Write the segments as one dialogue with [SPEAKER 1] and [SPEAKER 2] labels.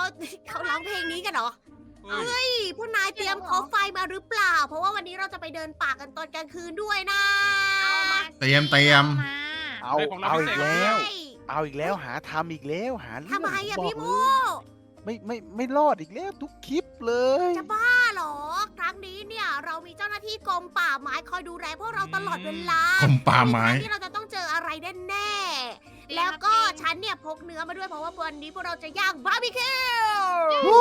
[SPEAKER 1] เขาร้องเพลงนี้กันเหรอ
[SPEAKER 2] เฮ้ย
[SPEAKER 1] เฮ้ยพวกนายเตรียมคอไฟมาหรือเปล่า เพราะว่าวันนี้เราจะไปเดินป่ากันตอนกลางคืนด้วยนะ
[SPEAKER 3] เอามา
[SPEAKER 4] เตรียม
[SPEAKER 3] มา
[SPEAKER 5] เอา
[SPEAKER 2] เฮ้ยของเรา
[SPEAKER 5] เอา
[SPEAKER 2] พิ
[SPEAKER 5] อี
[SPEAKER 2] เศษ
[SPEAKER 5] กแล้ว
[SPEAKER 1] ใช่
[SPEAKER 5] เอาอีกแล้วหาทำอีกแล้วหาเรื่อง
[SPEAKER 1] ทำไมอะ
[SPEAKER 5] บก
[SPEAKER 1] พี่โม
[SPEAKER 5] เลยไม่รอดอีกแล้วทุกคลิปเลย
[SPEAKER 1] จะบ้าเหรอ ครั้งนี้เนี่ยเรามีเจ้าหน้าที่กรมป่าไม้คอยดูแลพวกเราตลอดเวลาก
[SPEAKER 4] รมป่าไม้
[SPEAKER 1] ที่เราจะต้องเจออะไรแน่ๆแล้วก็ฉันเนี่ยพกเนื้อมาด้วยเพราะว่าวันนี้พวกเราจะย่างบาร์บีคิว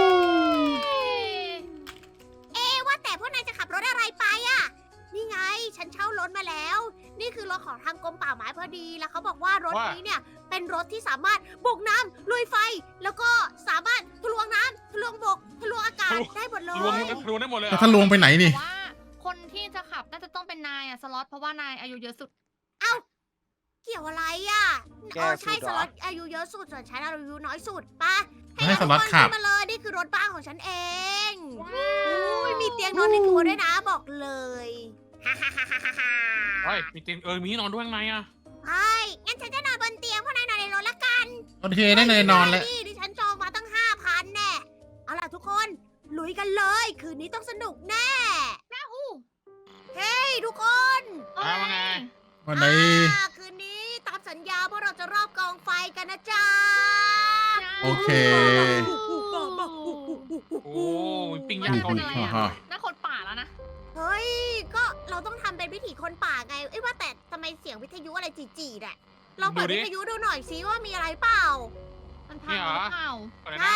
[SPEAKER 1] ว่าแต่พวกนายจะขับรถอะไรไปอะนี่ไง ฉันเช่ารถมาแล้ว นี่คือรถของทางกรมป่าไม้พอดี แล้วเขาบอกว่ารถนี้เนี่ยเป็นรถที่สามารถบุกน้ำลุยไฟ แล้วก็สามารถทะลวงน้ำทะลวงบกทะลวงอากาศได้หมดเล
[SPEAKER 2] รวม
[SPEAKER 1] ย
[SPEAKER 2] รวมได้หมดเลยเหร
[SPEAKER 4] แล้ว
[SPEAKER 2] อ
[SPEAKER 4] ถ้าลวงไปไหนนี่
[SPEAKER 3] แต่ว่าคนที่จะขับน่าจะต้องเป็นนายอะสล็อตเพราะว่านายอายุเยอะสุด
[SPEAKER 1] เกี่ยวอะไรอ่ะ
[SPEAKER 5] แก้
[SPEAKER 1] ใช่
[SPEAKER 5] สุดเหรอ
[SPEAKER 1] สล็อตอายุเยอะสุดส่วนฉันอายุน้อยสุดปะ
[SPEAKER 4] ให้สล็อตขับ
[SPEAKER 1] ทุกคนขึ้นมาเลยนี่คือรถบ้านของฉันเองอุ้ยมีเตียงนอนในตัวด้วยนะบอกเลยฮ่าฮ่าฮ่าฮ่าฮ่า
[SPEAKER 2] เฮ้ยมีเตียงมีที่นอนด้วยข้างในอ่ะ
[SPEAKER 1] เฮ้ยงั้นฉันจะนอนบนเตียงพวกนายนอนในรถละกัน
[SPEAKER 4] โอเคได้เลยนอนแล้ว
[SPEAKER 1] ดิฉันจองมาตั้ง 5,000แน่เอาล่ะทุกคนลุยกันเลย คืนนี้ต้องสนุกแน่เฮ้ยทุกคน
[SPEAKER 2] เอาว่าไง
[SPEAKER 4] วันไหน
[SPEAKER 1] คืนนี้ตามสัญญาพวกเราจะรอบกองไฟกันนะจ๊ะ
[SPEAKER 4] โอเค
[SPEAKER 2] โอ้ยปิ้งย่างเกาหลี
[SPEAKER 4] ฮ่าฮ่า
[SPEAKER 3] น่าคนป่าแล้วนะ
[SPEAKER 1] เฮ้ย ก็เราต้องทำเป็นวิถีคนป่าไง เอ้ยว่าแต่ทำไมเสียงวิทยุอะไรจีๆเนี่ยลองเปิดวิทยุดูหน่อยซิว่ามีอะไรเปล่า
[SPEAKER 3] มันพังหรือเปล่า
[SPEAKER 2] อะไรนะ
[SPEAKER 1] ใช่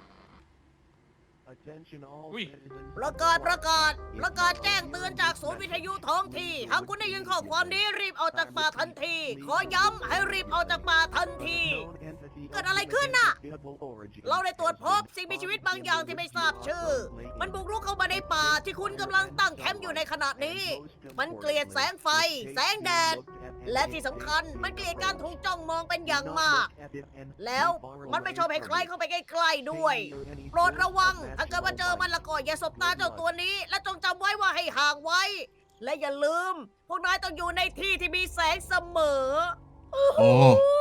[SPEAKER 2] อุ้ย
[SPEAKER 1] ประกาศแจ้งเตือนจากศูนย์วิทยุท้องที่หากคุณได้ยินข้อความนี้รีบออกจากป่าทันที ขอย้ำให้รีบออกจากป่าทันที เกิดอะไรขึ้นน่ะ เราได้ตรวจพบสิ่งมีชีวิตบางอย่างที่ไม่ทราบชื่อ มันบุกรุกเข้ามาในป่าที่คุณกำลังตั้งแคมป์อยู่ในขณะนี้ มันเกลียดแสงไฟ แสงแดด และที่สำคัญมันเกลียดการถูกจ้องมองเป็นอย่างมาก แล้วมันไม่ชอบให้ใครเข้าไปใกล้ๆด้วย โปรดระวัง ถ้าเกิดว่าเจอมันละก็อย่าสบตาเจ้าตัวนี้ และจงจำไว้ว่าให้ห่างไว้ และอย่าลืม พวกนายต้องอยู่ในที่ที่มีแสงเสมอ
[SPEAKER 4] โอ้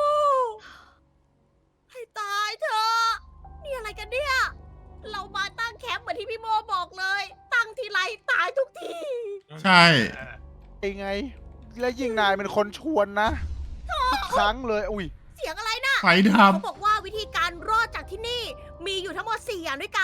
[SPEAKER 1] ให้ตายเถอะ นี่อะไรกันเนี่ย เรามาตั้งแคมป์เหมือนที่พี่โมบอกเลย ตั้งทีไรตายทุกที
[SPEAKER 4] ใช่
[SPEAKER 5] ไอ้ไง และยิ่งนายเป็นคนชวนนะทุกครั้งเลยอุ้ย
[SPEAKER 1] เสียงอะไรนะ
[SPEAKER 4] ไฟด
[SPEAKER 1] เขาบอกว่าวิธีการรอดจากที่นี่มีอยู่ทั้งหมด 4 อย่างด้วยกัน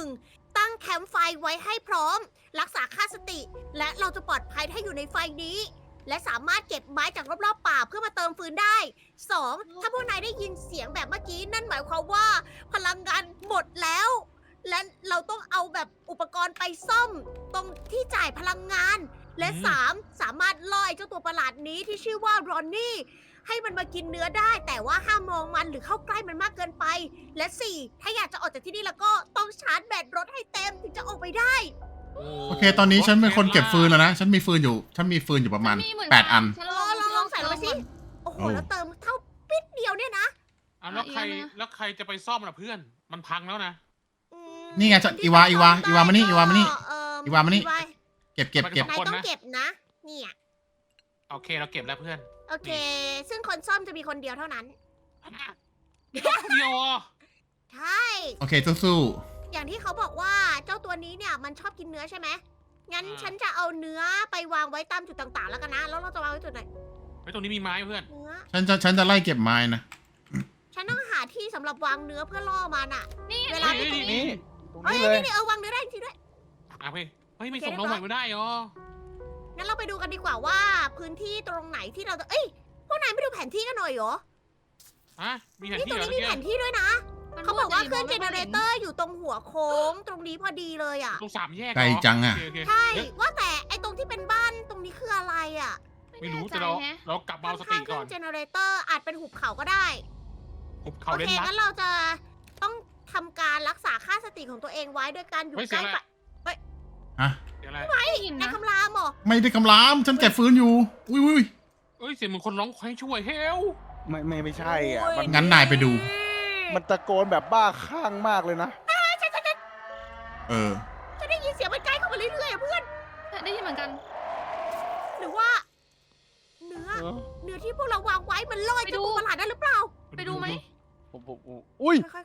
[SPEAKER 1] 1. ตั้งแคมป์ไฟไว้ให้พร้อม รักษาค่าสติ และเราจะปลอดภัยถ้าอยู่ในไฟนี้ และสามารถเก็บไม้จากรอบๆป่าเพื่อมาเติมฟืนได้ 2. ถ้าพวกนายได้ยินเสียงแบบเมื่อกี้นั่นหมายความว่าพลังงานหมดแล้ว และเราต้องเอาแบบอุปกรณ์ไปซ่อม ตรงที่จ่ายพลังงาน และ 3. สามารถล่อไอ้เจ้าตัวประหลาดนี้ที่ชื่อว่ารอนนี่ ให้มันมากินเนื้อได้ แต่ว่าห้ามมองมันหรือเข้าใกล้มันมากเกินไป และ 4. ถ้าอยากจะออกจากที่นี่แล้วก็ต้องชาร์จแบตรถให้เต็มถึงจะออกไปได้
[SPEAKER 4] ำโอเค ตอนนี้ฉันเป็นคนเก็บฟืนแล้วนะ ฉันมีฟืนอยู่ประมาณ
[SPEAKER 3] ฉันเหมืน
[SPEAKER 4] 8 อัน
[SPEAKER 3] ฉัน
[SPEAKER 1] ลองใส่ลงไปสิ โอ้โห
[SPEAKER 4] โอ้
[SPEAKER 1] แล้วเติมเท่าปิดเดียวเนี่ยนะ
[SPEAKER 2] เอาแล้วใครจะไปซ่อมล่ะเพื่อน มันพังแล้วนะ
[SPEAKER 1] อืม
[SPEAKER 4] นี่ไงจะอีวามานี่
[SPEAKER 1] ก็
[SPEAKER 4] อีวามานี่
[SPEAKER 1] เอิ่ม
[SPEAKER 4] อีวามานี่
[SPEAKER 1] อีว
[SPEAKER 4] เก็บ
[SPEAKER 1] นายต้องเก็บนะ เนี่ย
[SPEAKER 2] โอเคเราเก็บแล้วเพื่อน
[SPEAKER 1] โอเค ซึ่งคนซ่อมจะมีคนเดียวเท่านั้น
[SPEAKER 2] เดียวอ่ะ
[SPEAKER 1] ใช่
[SPEAKER 4] โอเคสู้
[SPEAKER 1] อย่างที่เขาบอกว่าเจ้าตัวนี้เนี่ยมันชอบกินเนื้อใช่ไหม งั้นฉันจะเอาเนื้อไปวางไว้ตามจุดต่างๆ แล้วกันนะ แล้วเราจะวางไว้จุดไหน
[SPEAKER 2] ไว้ตรงนี้มีไม้เพื่อน
[SPEAKER 1] เนื้อ
[SPEAKER 4] ๆฉันจะไล่เก็บไม้นะ
[SPEAKER 1] ฉันต้องหาที่สำหรับวางเนื้อเพื่อล่อมันอะ
[SPEAKER 3] นี่
[SPEAKER 1] เวลา
[SPEAKER 2] ฮ้ย
[SPEAKER 5] นี่ตรง
[SPEAKER 1] เฮ้ย
[SPEAKER 5] นี้เลย
[SPEAKER 1] นี่วางเนื้อได้จริงๆด้วย
[SPEAKER 2] อ่ะเฮ้ยไม่ส่งน้องใหม่ไม่ได้เหรอ
[SPEAKER 1] งั้นเราไปดูกันดีกว่าว่าพื้นที่ตรงไหนที่เราจะ เอ้ย พวกนายไม่ดูแผนที่กันหน่อยเหรอ
[SPEAKER 2] ฮะมีแผน
[SPEAKER 1] นี่
[SPEAKER 2] ที่
[SPEAKER 1] ตรง
[SPEAKER 2] เหรอ
[SPEAKER 1] นี้มี
[SPEAKER 2] เมื่อ
[SPEAKER 1] แผ
[SPEAKER 2] กี้
[SPEAKER 1] นที่ด้วยนะ
[SPEAKER 3] มัน
[SPEAKER 1] เขาบอกว่าเครื่อง
[SPEAKER 3] มื
[SPEAKER 1] เจ
[SPEAKER 3] ด
[SPEAKER 1] เน
[SPEAKER 3] จะ
[SPEAKER 1] เร
[SPEAKER 3] มง
[SPEAKER 1] เตอร์อยู่ตรงหัวโค้งตรงนี้พอดีเลยอ่ะ
[SPEAKER 2] ตรง3 แยก
[SPEAKER 4] ไกลจังอะ
[SPEAKER 2] โเค
[SPEAKER 1] ใช่
[SPEAKER 2] เฮ้ย
[SPEAKER 1] ว่าแต่ไอ้ตรงที่เป็นบ้านตรงนี้คืออะไรอ่ะ
[SPEAKER 2] ไม่รู้
[SPEAKER 3] แน่ใจ
[SPEAKER 2] แต่เรา
[SPEAKER 3] แฮะ
[SPEAKER 2] เรากลับมาเอาส
[SPEAKER 1] ข้า
[SPEAKER 2] ติ
[SPEAKER 1] งๆเค
[SPEAKER 2] ก่
[SPEAKER 1] รื่
[SPEAKER 2] อ
[SPEAKER 1] อน งเจเนเรเตอร์อาจเป็นหุบเขาก็ได้
[SPEAKER 2] หุบเขา
[SPEAKER 1] โอ
[SPEAKER 2] เล่น
[SPEAKER 1] เค
[SPEAKER 2] ลัด
[SPEAKER 1] งั้นเราจะต้องทำการรักษาค่าสติของตัวเองไว้ด้วยการอยู่
[SPEAKER 2] เฮ้ย
[SPEAKER 1] ใกล้
[SPEAKER 2] เสียงอะไร
[SPEAKER 1] ไฟ
[SPEAKER 4] ฮะ
[SPEAKER 2] เดี๋ยวอะไร
[SPEAKER 3] ได้ยิน
[SPEAKER 1] ใน
[SPEAKER 3] นะ
[SPEAKER 1] คำรามเหรอ
[SPEAKER 4] ไม่ได้กำลาม ฉันเก็บฟืนอยู่ อุ้ย
[SPEAKER 2] เอ้ยเสียงเหมือนคนร้องให้ช่วยเฮล
[SPEAKER 5] ไม่ใช่อ่ะมัน
[SPEAKER 4] งั้นนายไปดู
[SPEAKER 5] มันตะโกนแบบบ้าคลั่งมากเลยนะ
[SPEAKER 4] เออ
[SPEAKER 1] จะได้ยินเสียงมันใกล้เข้ามาเรื่อยๆอะเพื่อน
[SPEAKER 3] ได้ยินเหมือนกัน
[SPEAKER 1] หรือว่า เนื้อที่พวกเราวางไว้มันลอย
[SPEAKER 3] ไป
[SPEAKER 1] เจ้า
[SPEAKER 3] ดู
[SPEAKER 1] ตัวประหลาดได้หรือเปล่า
[SPEAKER 3] ไปดูไหม
[SPEAKER 5] อุ้ย
[SPEAKER 1] ค่อย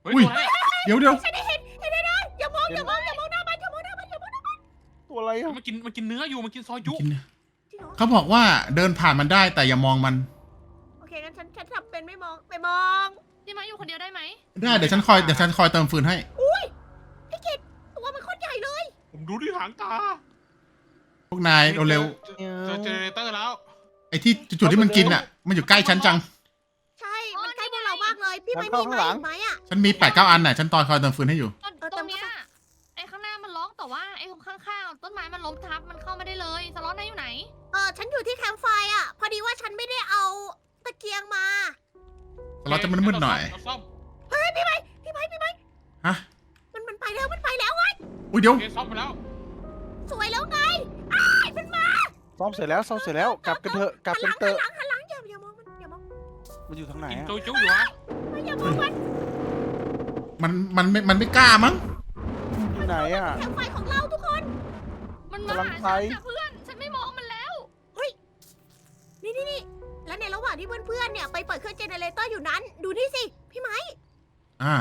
[SPEAKER 2] เฮ้ย
[SPEAKER 4] อุ้ย
[SPEAKER 2] ตัวอะไรอะ
[SPEAKER 4] เดี๋ยว
[SPEAKER 1] ฉันได้เห็นได้อย่ามองหน้ามันอย่ามองหน้ามัน
[SPEAKER 5] ตัวอะไรอะ
[SPEAKER 2] มันกินเนื้ออยู่มันกินซอยยุ
[SPEAKER 4] กินนะ
[SPEAKER 1] จริงเหรอ
[SPEAKER 4] เขาบอกว่าเดินผ่านมันได้แต่อย่ามองมัน
[SPEAKER 1] โอเคงั้นฉันทำเป็นไม่มองไปมอง
[SPEAKER 3] พี่ไม้อยู่คนเดียวได้ไหม
[SPEAKER 4] ได้เดี๋ยวฉันคอยเติมฟืนให้
[SPEAKER 1] พี่กิตตัวมันโคตรใหญ่เลย
[SPEAKER 2] ผมดูที่หางตา
[SPEAKER 4] พวกนายเร็ว
[SPEAKER 2] เจอเจเนเรเตอร์แล้ว
[SPEAKER 4] ๆไอ้ที่จุดที่มันกินอ่ะ มันอยู่ใกล้ฉันจัง
[SPEAKER 1] ใช่มันใกล้พวกเรามากเลยพี่ไม่มีไม้อีกไหมอ่ะ
[SPEAKER 4] ฉันมี8-9 อันน่ะฉันคอยเติมฟืนให้อยู่
[SPEAKER 3] ตรงเนี้ยไอ้ข้างหน้ามันล็อกแต่ว่าไอ้ตรงข้างๆต้นไม้มันล้มทับมันเข้าไม่ได้เลยสล็อตนายอยู่ไหน
[SPEAKER 1] ฉันอยู่ที่แคมป์ไฟอ่ะพอดีว่าฉันไม่ได้เอาตะเกียงมา
[SPEAKER 4] เราจะมืดๆหน่อย
[SPEAKER 2] เราซ่อม
[SPEAKER 1] เฮ้ยพี่ไม้
[SPEAKER 4] ฮะ
[SPEAKER 1] มันไปแล้วไง
[SPEAKER 4] อุ้ยเดี๋ยว
[SPEAKER 2] โอเคซ่อมไปแล้ว
[SPEAKER 1] สวยแล้วไงอ้ายมันมา
[SPEAKER 5] ซ่อมเสร็จแล้วกลับกันเถอะกลับกันเถอะ
[SPEAKER 1] หันหลังอย่ามองมัน
[SPEAKER 5] มันอยู่ทางไหน
[SPEAKER 2] กิน
[SPEAKER 5] อะ
[SPEAKER 2] โจจุอยู่วะ
[SPEAKER 1] อย่ามองมัน
[SPEAKER 4] มันไม่กล้ามั้ง
[SPEAKER 5] อยู่ไหนอะ
[SPEAKER 1] แคมป์ไฟของเราทุกคน
[SPEAKER 3] มันมาหาฉันนะเพื่อนฉันไม่มองมันแล้ว
[SPEAKER 1] นี่แล้วในระหว่างที่เพื่อนๆเนี่ยไปเปิดเครื่องเจเนเรเตอร์อยู่นั้นดูนี่สิพี่ไม้
[SPEAKER 4] อ่าร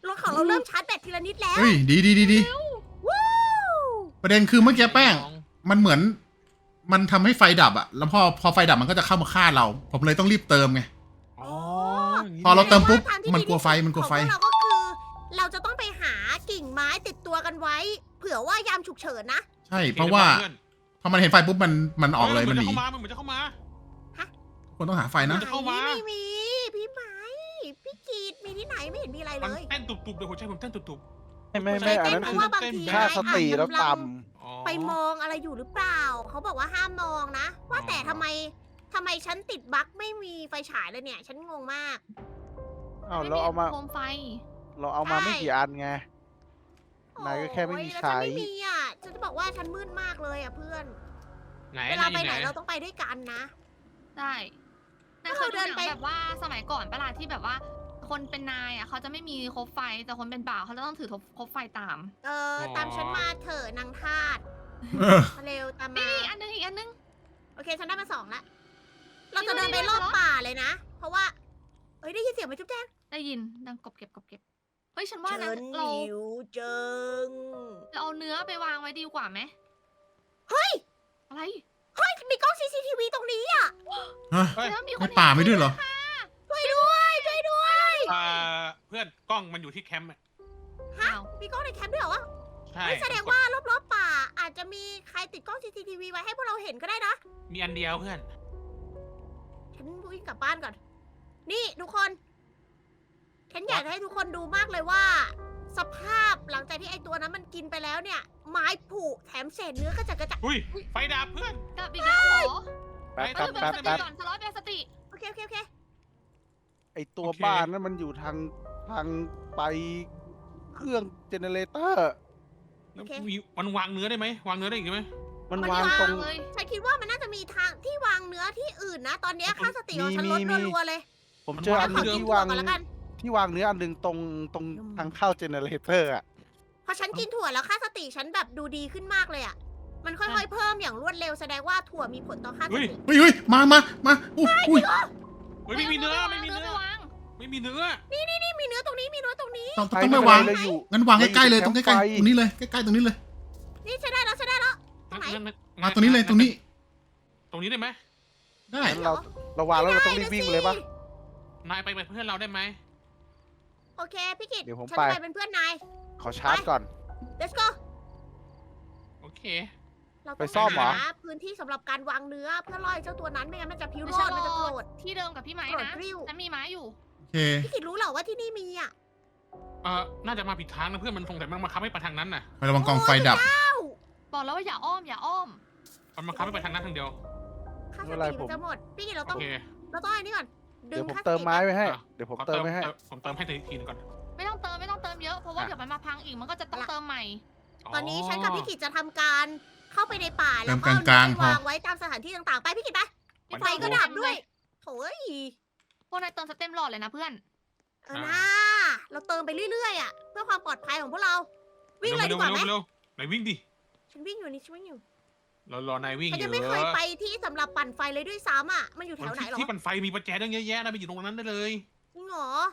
[SPEAKER 1] ถของเราเริ่มชาร์จแบตทีละนิดแล้ว
[SPEAKER 4] เฮ้ยดี
[SPEAKER 1] วู้
[SPEAKER 4] ประเด็นคือเมื่อกี้แป้ง มันเหมือน มันทำให้ไฟดับอ่ะ แล้วพอไฟดับมันก็จะเข้ามาฆ่าเรา ผมเลยต้องรีบเติมไง
[SPEAKER 2] อ๋อ
[SPEAKER 4] พอเราเติมปุ๊บ
[SPEAKER 1] แสดงว่าทางที่
[SPEAKER 4] มัน
[SPEAKER 1] ดี
[SPEAKER 4] กลัวไฟ
[SPEAKER 1] ที่สุด
[SPEAKER 4] มันกลัวไฟ
[SPEAKER 1] ของเราก็คือ เราจะต้องไปหากิ่งไม้ติดตัวกันไว้ เผื่อว่ายามฉุกเฉินนะ
[SPEAKER 4] ใช่ เพราะว่า พอมันเห็นไฟปุ๊บมันออกเลยมันหนี
[SPEAKER 2] เหมือนจะเข้ามา
[SPEAKER 4] คนต้องหาไฟนะ
[SPEAKER 2] จะเข้ามา
[SPEAKER 1] ไม่มีพี่ไม้พี่กีดมีที่ไหนไม่เห็นมีอะไร
[SPEAKER 2] มัน
[SPEAKER 1] เลย
[SPEAKER 2] เต้นตุบๆเลยหัวใจผมเต้นตุบ
[SPEAKER 5] ไม่อันนั้น
[SPEAKER 1] เพ
[SPEAKER 5] คือ
[SPEAKER 1] ราะว่าบางที
[SPEAKER 5] ค่าสติแล้วต่
[SPEAKER 2] ๆอ๋อ
[SPEAKER 1] ไปมองอะไรอยู่หรือเปล่า เขาบอกว่าห้ามมองนะ ว่าแต่ทำไมฉันติดบั๊กไม่มีไฟฉายเลยเนี่ย ฉันงงมาก
[SPEAKER 5] ำอ้าวเราเอามา
[SPEAKER 3] โคมไฟ
[SPEAKER 5] ไม่กี่อันไง นายก็แค่ไม่มี
[SPEAKER 1] โอ้ยแล้ว
[SPEAKER 5] ใช้
[SPEAKER 1] ฉันไม่มีอ่ะ ฉันจะบอกว่าฉันมืดมากเลยอ่ะเพื่อน
[SPEAKER 2] ไหน
[SPEAKER 1] เวลาไป
[SPEAKER 2] ไห
[SPEAKER 1] ไห
[SPEAKER 2] น
[SPEAKER 1] นเราต้องไปด้วยกันนะ
[SPEAKER 3] ได้นายเคยดูหนังแบบว่าสมัยก่อนปะล่ะที่แบบว่า คนเป็นนายอ่ะเขาจะไม่มีคบไฟแต่คนเป็นบ่าวเขาจะต้องถือคบไฟตาม
[SPEAKER 1] ตามฉันมาเถอะนางทาสมาเร็วตามมา
[SPEAKER 3] นี่อีกอันนึง
[SPEAKER 1] โอเค ฉันได้มา2แล้วเราจะเดินไปรอบป่าเลยนะ เพราะว่าเอ้ยได้ยินเสียงไหมจุ๊บแจ้ง
[SPEAKER 3] ได้ยินดังกบเก็บเฮ้ยฉันว่านะ
[SPEAKER 1] ฉัน
[SPEAKER 3] เรา
[SPEAKER 1] หิวจัง
[SPEAKER 3] เอาเนื้อไปวางไว้ดีกว่าไหม
[SPEAKER 1] เฮ้ย
[SPEAKER 3] อะไร
[SPEAKER 1] เฮ้ย มีกล้อง CCTV ตรงนี้อ่ะ
[SPEAKER 4] ฮะ
[SPEAKER 2] เฮ้ย
[SPEAKER 3] แล้วมีค
[SPEAKER 4] ใน
[SPEAKER 3] น
[SPEAKER 4] ป่าไม่ด้วยเหรอ
[SPEAKER 1] ช่วยด้วยช่วยด้วย
[SPEAKER 2] เพื่อนกล้องมันอยู่ที่แคมป์อะ
[SPEAKER 3] อ้าว
[SPEAKER 1] มีกล้องในแคมป์ด้วยเหรอวะ
[SPEAKER 2] ใช่
[SPEAKER 1] เฮ้ยแสดงว่ารอบๆป่า อาจจะมีใครติดกล้อง CCTV ไว้ให้พวกเราเห็นก็ได้นะ
[SPEAKER 2] มีอันเดียวเพื่อน
[SPEAKER 1] ฉันวิ่งกลับบ้านก่อน นี่ทุกคน ฉันอยากจะให้ทุกคนดูมากเลยว่า สภาพหลังจากที่ไอตัวนั้นมันกินไปแล้วเนี่ย ไม้ผุแถมเศษเนื้อกระจัดกระจาย
[SPEAKER 2] อุ้ยไฟดับเพื่อน
[SPEAKER 3] กลับอีกแล้วเหรอ
[SPEAKER 5] แป๊บ
[SPEAKER 2] ไป
[SPEAKER 5] แป๊บ
[SPEAKER 3] เออ
[SPEAKER 5] แป๊บ
[SPEAKER 3] สติ
[SPEAKER 5] แป๊บ
[SPEAKER 3] ก่อนสล็อตแบบสติ
[SPEAKER 1] โอเค
[SPEAKER 5] ไอตัวบ้านนั้นมันอยู่ทางไปเครื่องเจเนเรเตอร์
[SPEAKER 2] แล้วมันวางเนื้อได้ไหมวางเนื้อได้อีกไหม
[SPEAKER 5] มันวางตรง
[SPEAKER 3] เลย
[SPEAKER 1] ฉันคิดว่ามันน่าจะมีทางที่วางเนื้อที่อื่นนะ ตอนเนี้ยค่าสติของฉันลด
[SPEAKER 5] มี
[SPEAKER 1] รัวๆเลย
[SPEAKER 5] ผมเจออันห
[SPEAKER 1] ข
[SPEAKER 5] นึ
[SPEAKER 1] อง กิน
[SPEAKER 5] ที่
[SPEAKER 1] ถั่ว
[SPEAKER 5] วาง
[SPEAKER 1] ก่อนแล้วกัน
[SPEAKER 5] ที่วางเนื้ออันหนึงตรงทางเข้าเจเนเรเตอร์อะ
[SPEAKER 1] พอฉันกินถั่วแล้วค่าสติฉันแบบดูดีขึ้นมากเลยอ่ะ มันค่อยๆเพิ่มอย่างรวดเร็วแสดงว่าถั่วมีผลต่อค่าส
[SPEAKER 2] เฮ้ย
[SPEAKER 1] ติ
[SPEAKER 4] เฮ้ยมาอุ้ย
[SPEAKER 2] เฮ้ยไม่มีเนื้อไม่มีเนื้อ
[SPEAKER 3] ไปวาง
[SPEAKER 2] ไม่มีเนื้อ
[SPEAKER 1] นี่มีเนื้อตรงนี้มีเนื้อตรงนี้
[SPEAKER 4] ต้องไม่วาง
[SPEAKER 5] เลยอยู่
[SPEAKER 4] งั้นวางใกล้ๆเลยตรงใกล้
[SPEAKER 5] ไฟ
[SPEAKER 4] ๆตรงนี้เลยใกล้ๆตรงนี้เลย
[SPEAKER 1] นี่ใช้ได้แล้ว ตรงไหน
[SPEAKER 4] มาตรงนี้เลยตรงนี้
[SPEAKER 2] ตรงนี้ได้ไหม
[SPEAKER 4] ได้
[SPEAKER 5] งั้นเราวางแล้วเราต้องรีบวิ่งเลยปะ
[SPEAKER 2] นายไปเป็นเพื่อนเราได้ไหม
[SPEAKER 1] โอเคพี่กิต
[SPEAKER 5] เดี๋ยวผม
[SPEAKER 1] ฉัน
[SPEAKER 5] ไป
[SPEAKER 1] ไปเป็นเพื่อนนาย
[SPEAKER 5] ขอชาร์จก่อน
[SPEAKER 1] let's go
[SPEAKER 2] โอเค
[SPEAKER 1] เรา
[SPEAKER 5] ไป
[SPEAKER 1] ต้อง
[SPEAKER 5] ซ่อมเหรอ
[SPEAKER 1] หาพื้นที่สำหรับการวางเนื้อเพื่อล่อไอ้เจ้าตัวนั้นไม่งั้นมันจะพิว
[SPEAKER 3] ไม่
[SPEAKER 1] โร
[SPEAKER 3] ใช่
[SPEAKER 1] ดมันจะโกรธ
[SPEAKER 3] ที่เดิมกับพี่ไม้
[SPEAKER 1] โกรธ
[SPEAKER 3] นะ
[SPEAKER 1] กริ้ว
[SPEAKER 3] ฉันมีไม้อยู่
[SPEAKER 4] โอเค
[SPEAKER 1] พี่กิตรู้เหรอว่าที่นี่มีอ่ะ
[SPEAKER 2] น่าจะมาผิดทางนะเพื่อนมันสงสัยมันมาคับให้ไปทางนั้นน่ะ
[SPEAKER 4] ไประวังกองไฟดับ
[SPEAKER 3] บอกแล้วว่าอย่าอ้อม
[SPEAKER 2] มันมาคับให้ไปทางนั้นทางเดียว
[SPEAKER 1] ค่าส
[SPEAKER 5] ไม่เป็นไร
[SPEAKER 1] ติมันจะหมดพี่กิตเรา
[SPEAKER 2] โอ
[SPEAKER 1] ต้อง
[SPEAKER 2] เค
[SPEAKER 1] อันนี้ก่อนดึ
[SPEAKER 5] เดี๋ย
[SPEAKER 1] ง
[SPEAKER 5] วผม
[SPEAKER 1] ค่าส
[SPEAKER 5] เติม
[SPEAKER 1] ติ
[SPEAKER 5] ไม้ไว้ให้
[SPEAKER 2] อ่ะ
[SPEAKER 5] เดี๋ยวผมเติมไว้ให้
[SPEAKER 2] ผมเติมให้ทีนึงก่อน
[SPEAKER 3] ไม่ต้องเติมเยอะเพราะว่าเดี๋ยวมันมาพังอีกมันก็จะต้องเติมใหม่
[SPEAKER 1] ตอนนี้ฉันกับพี่กิตจะทำการเข้าไปในป่าแล้ว
[SPEAKER 4] เติ
[SPEAKER 1] ก็
[SPEAKER 4] มกลางๆ
[SPEAKER 1] ไปวางไว้ตามสถานที่ต่างๆไปพี่กิตไป
[SPEAKER 3] พี่
[SPEAKER 1] ไฟก็ดับด้วยโถ่ย
[SPEAKER 3] พวกนายเติมสเต็มหลอดเลยนะเพื่อน
[SPEAKER 1] นะเราเติมไปเรื่อยๆอ่ะเพื่อความปลอดภัยของพวกเรา วิ่งเลยดีกว่าไหม
[SPEAKER 2] เร็วไหนวิ่งดิ
[SPEAKER 1] ฉันวิ่งอยู่นี่ฉันวิ่งอยู่
[SPEAKER 2] รอนายวิ่ง
[SPEAKER 1] ฉัน
[SPEAKER 2] เย
[SPEAKER 1] ยัง
[SPEAKER 2] อะ
[SPEAKER 1] ไม่เคยไปที่สำหรับปั่นไฟเลยด้วยซ้ำอ่ะมันอยู่แถวไหนหรอ
[SPEAKER 2] ที่ปั่นไฟมีประแจตั้งเยอะแยะนะไปอยู่ตรงนั้นได้เลย
[SPEAKER 1] จริงเหรอ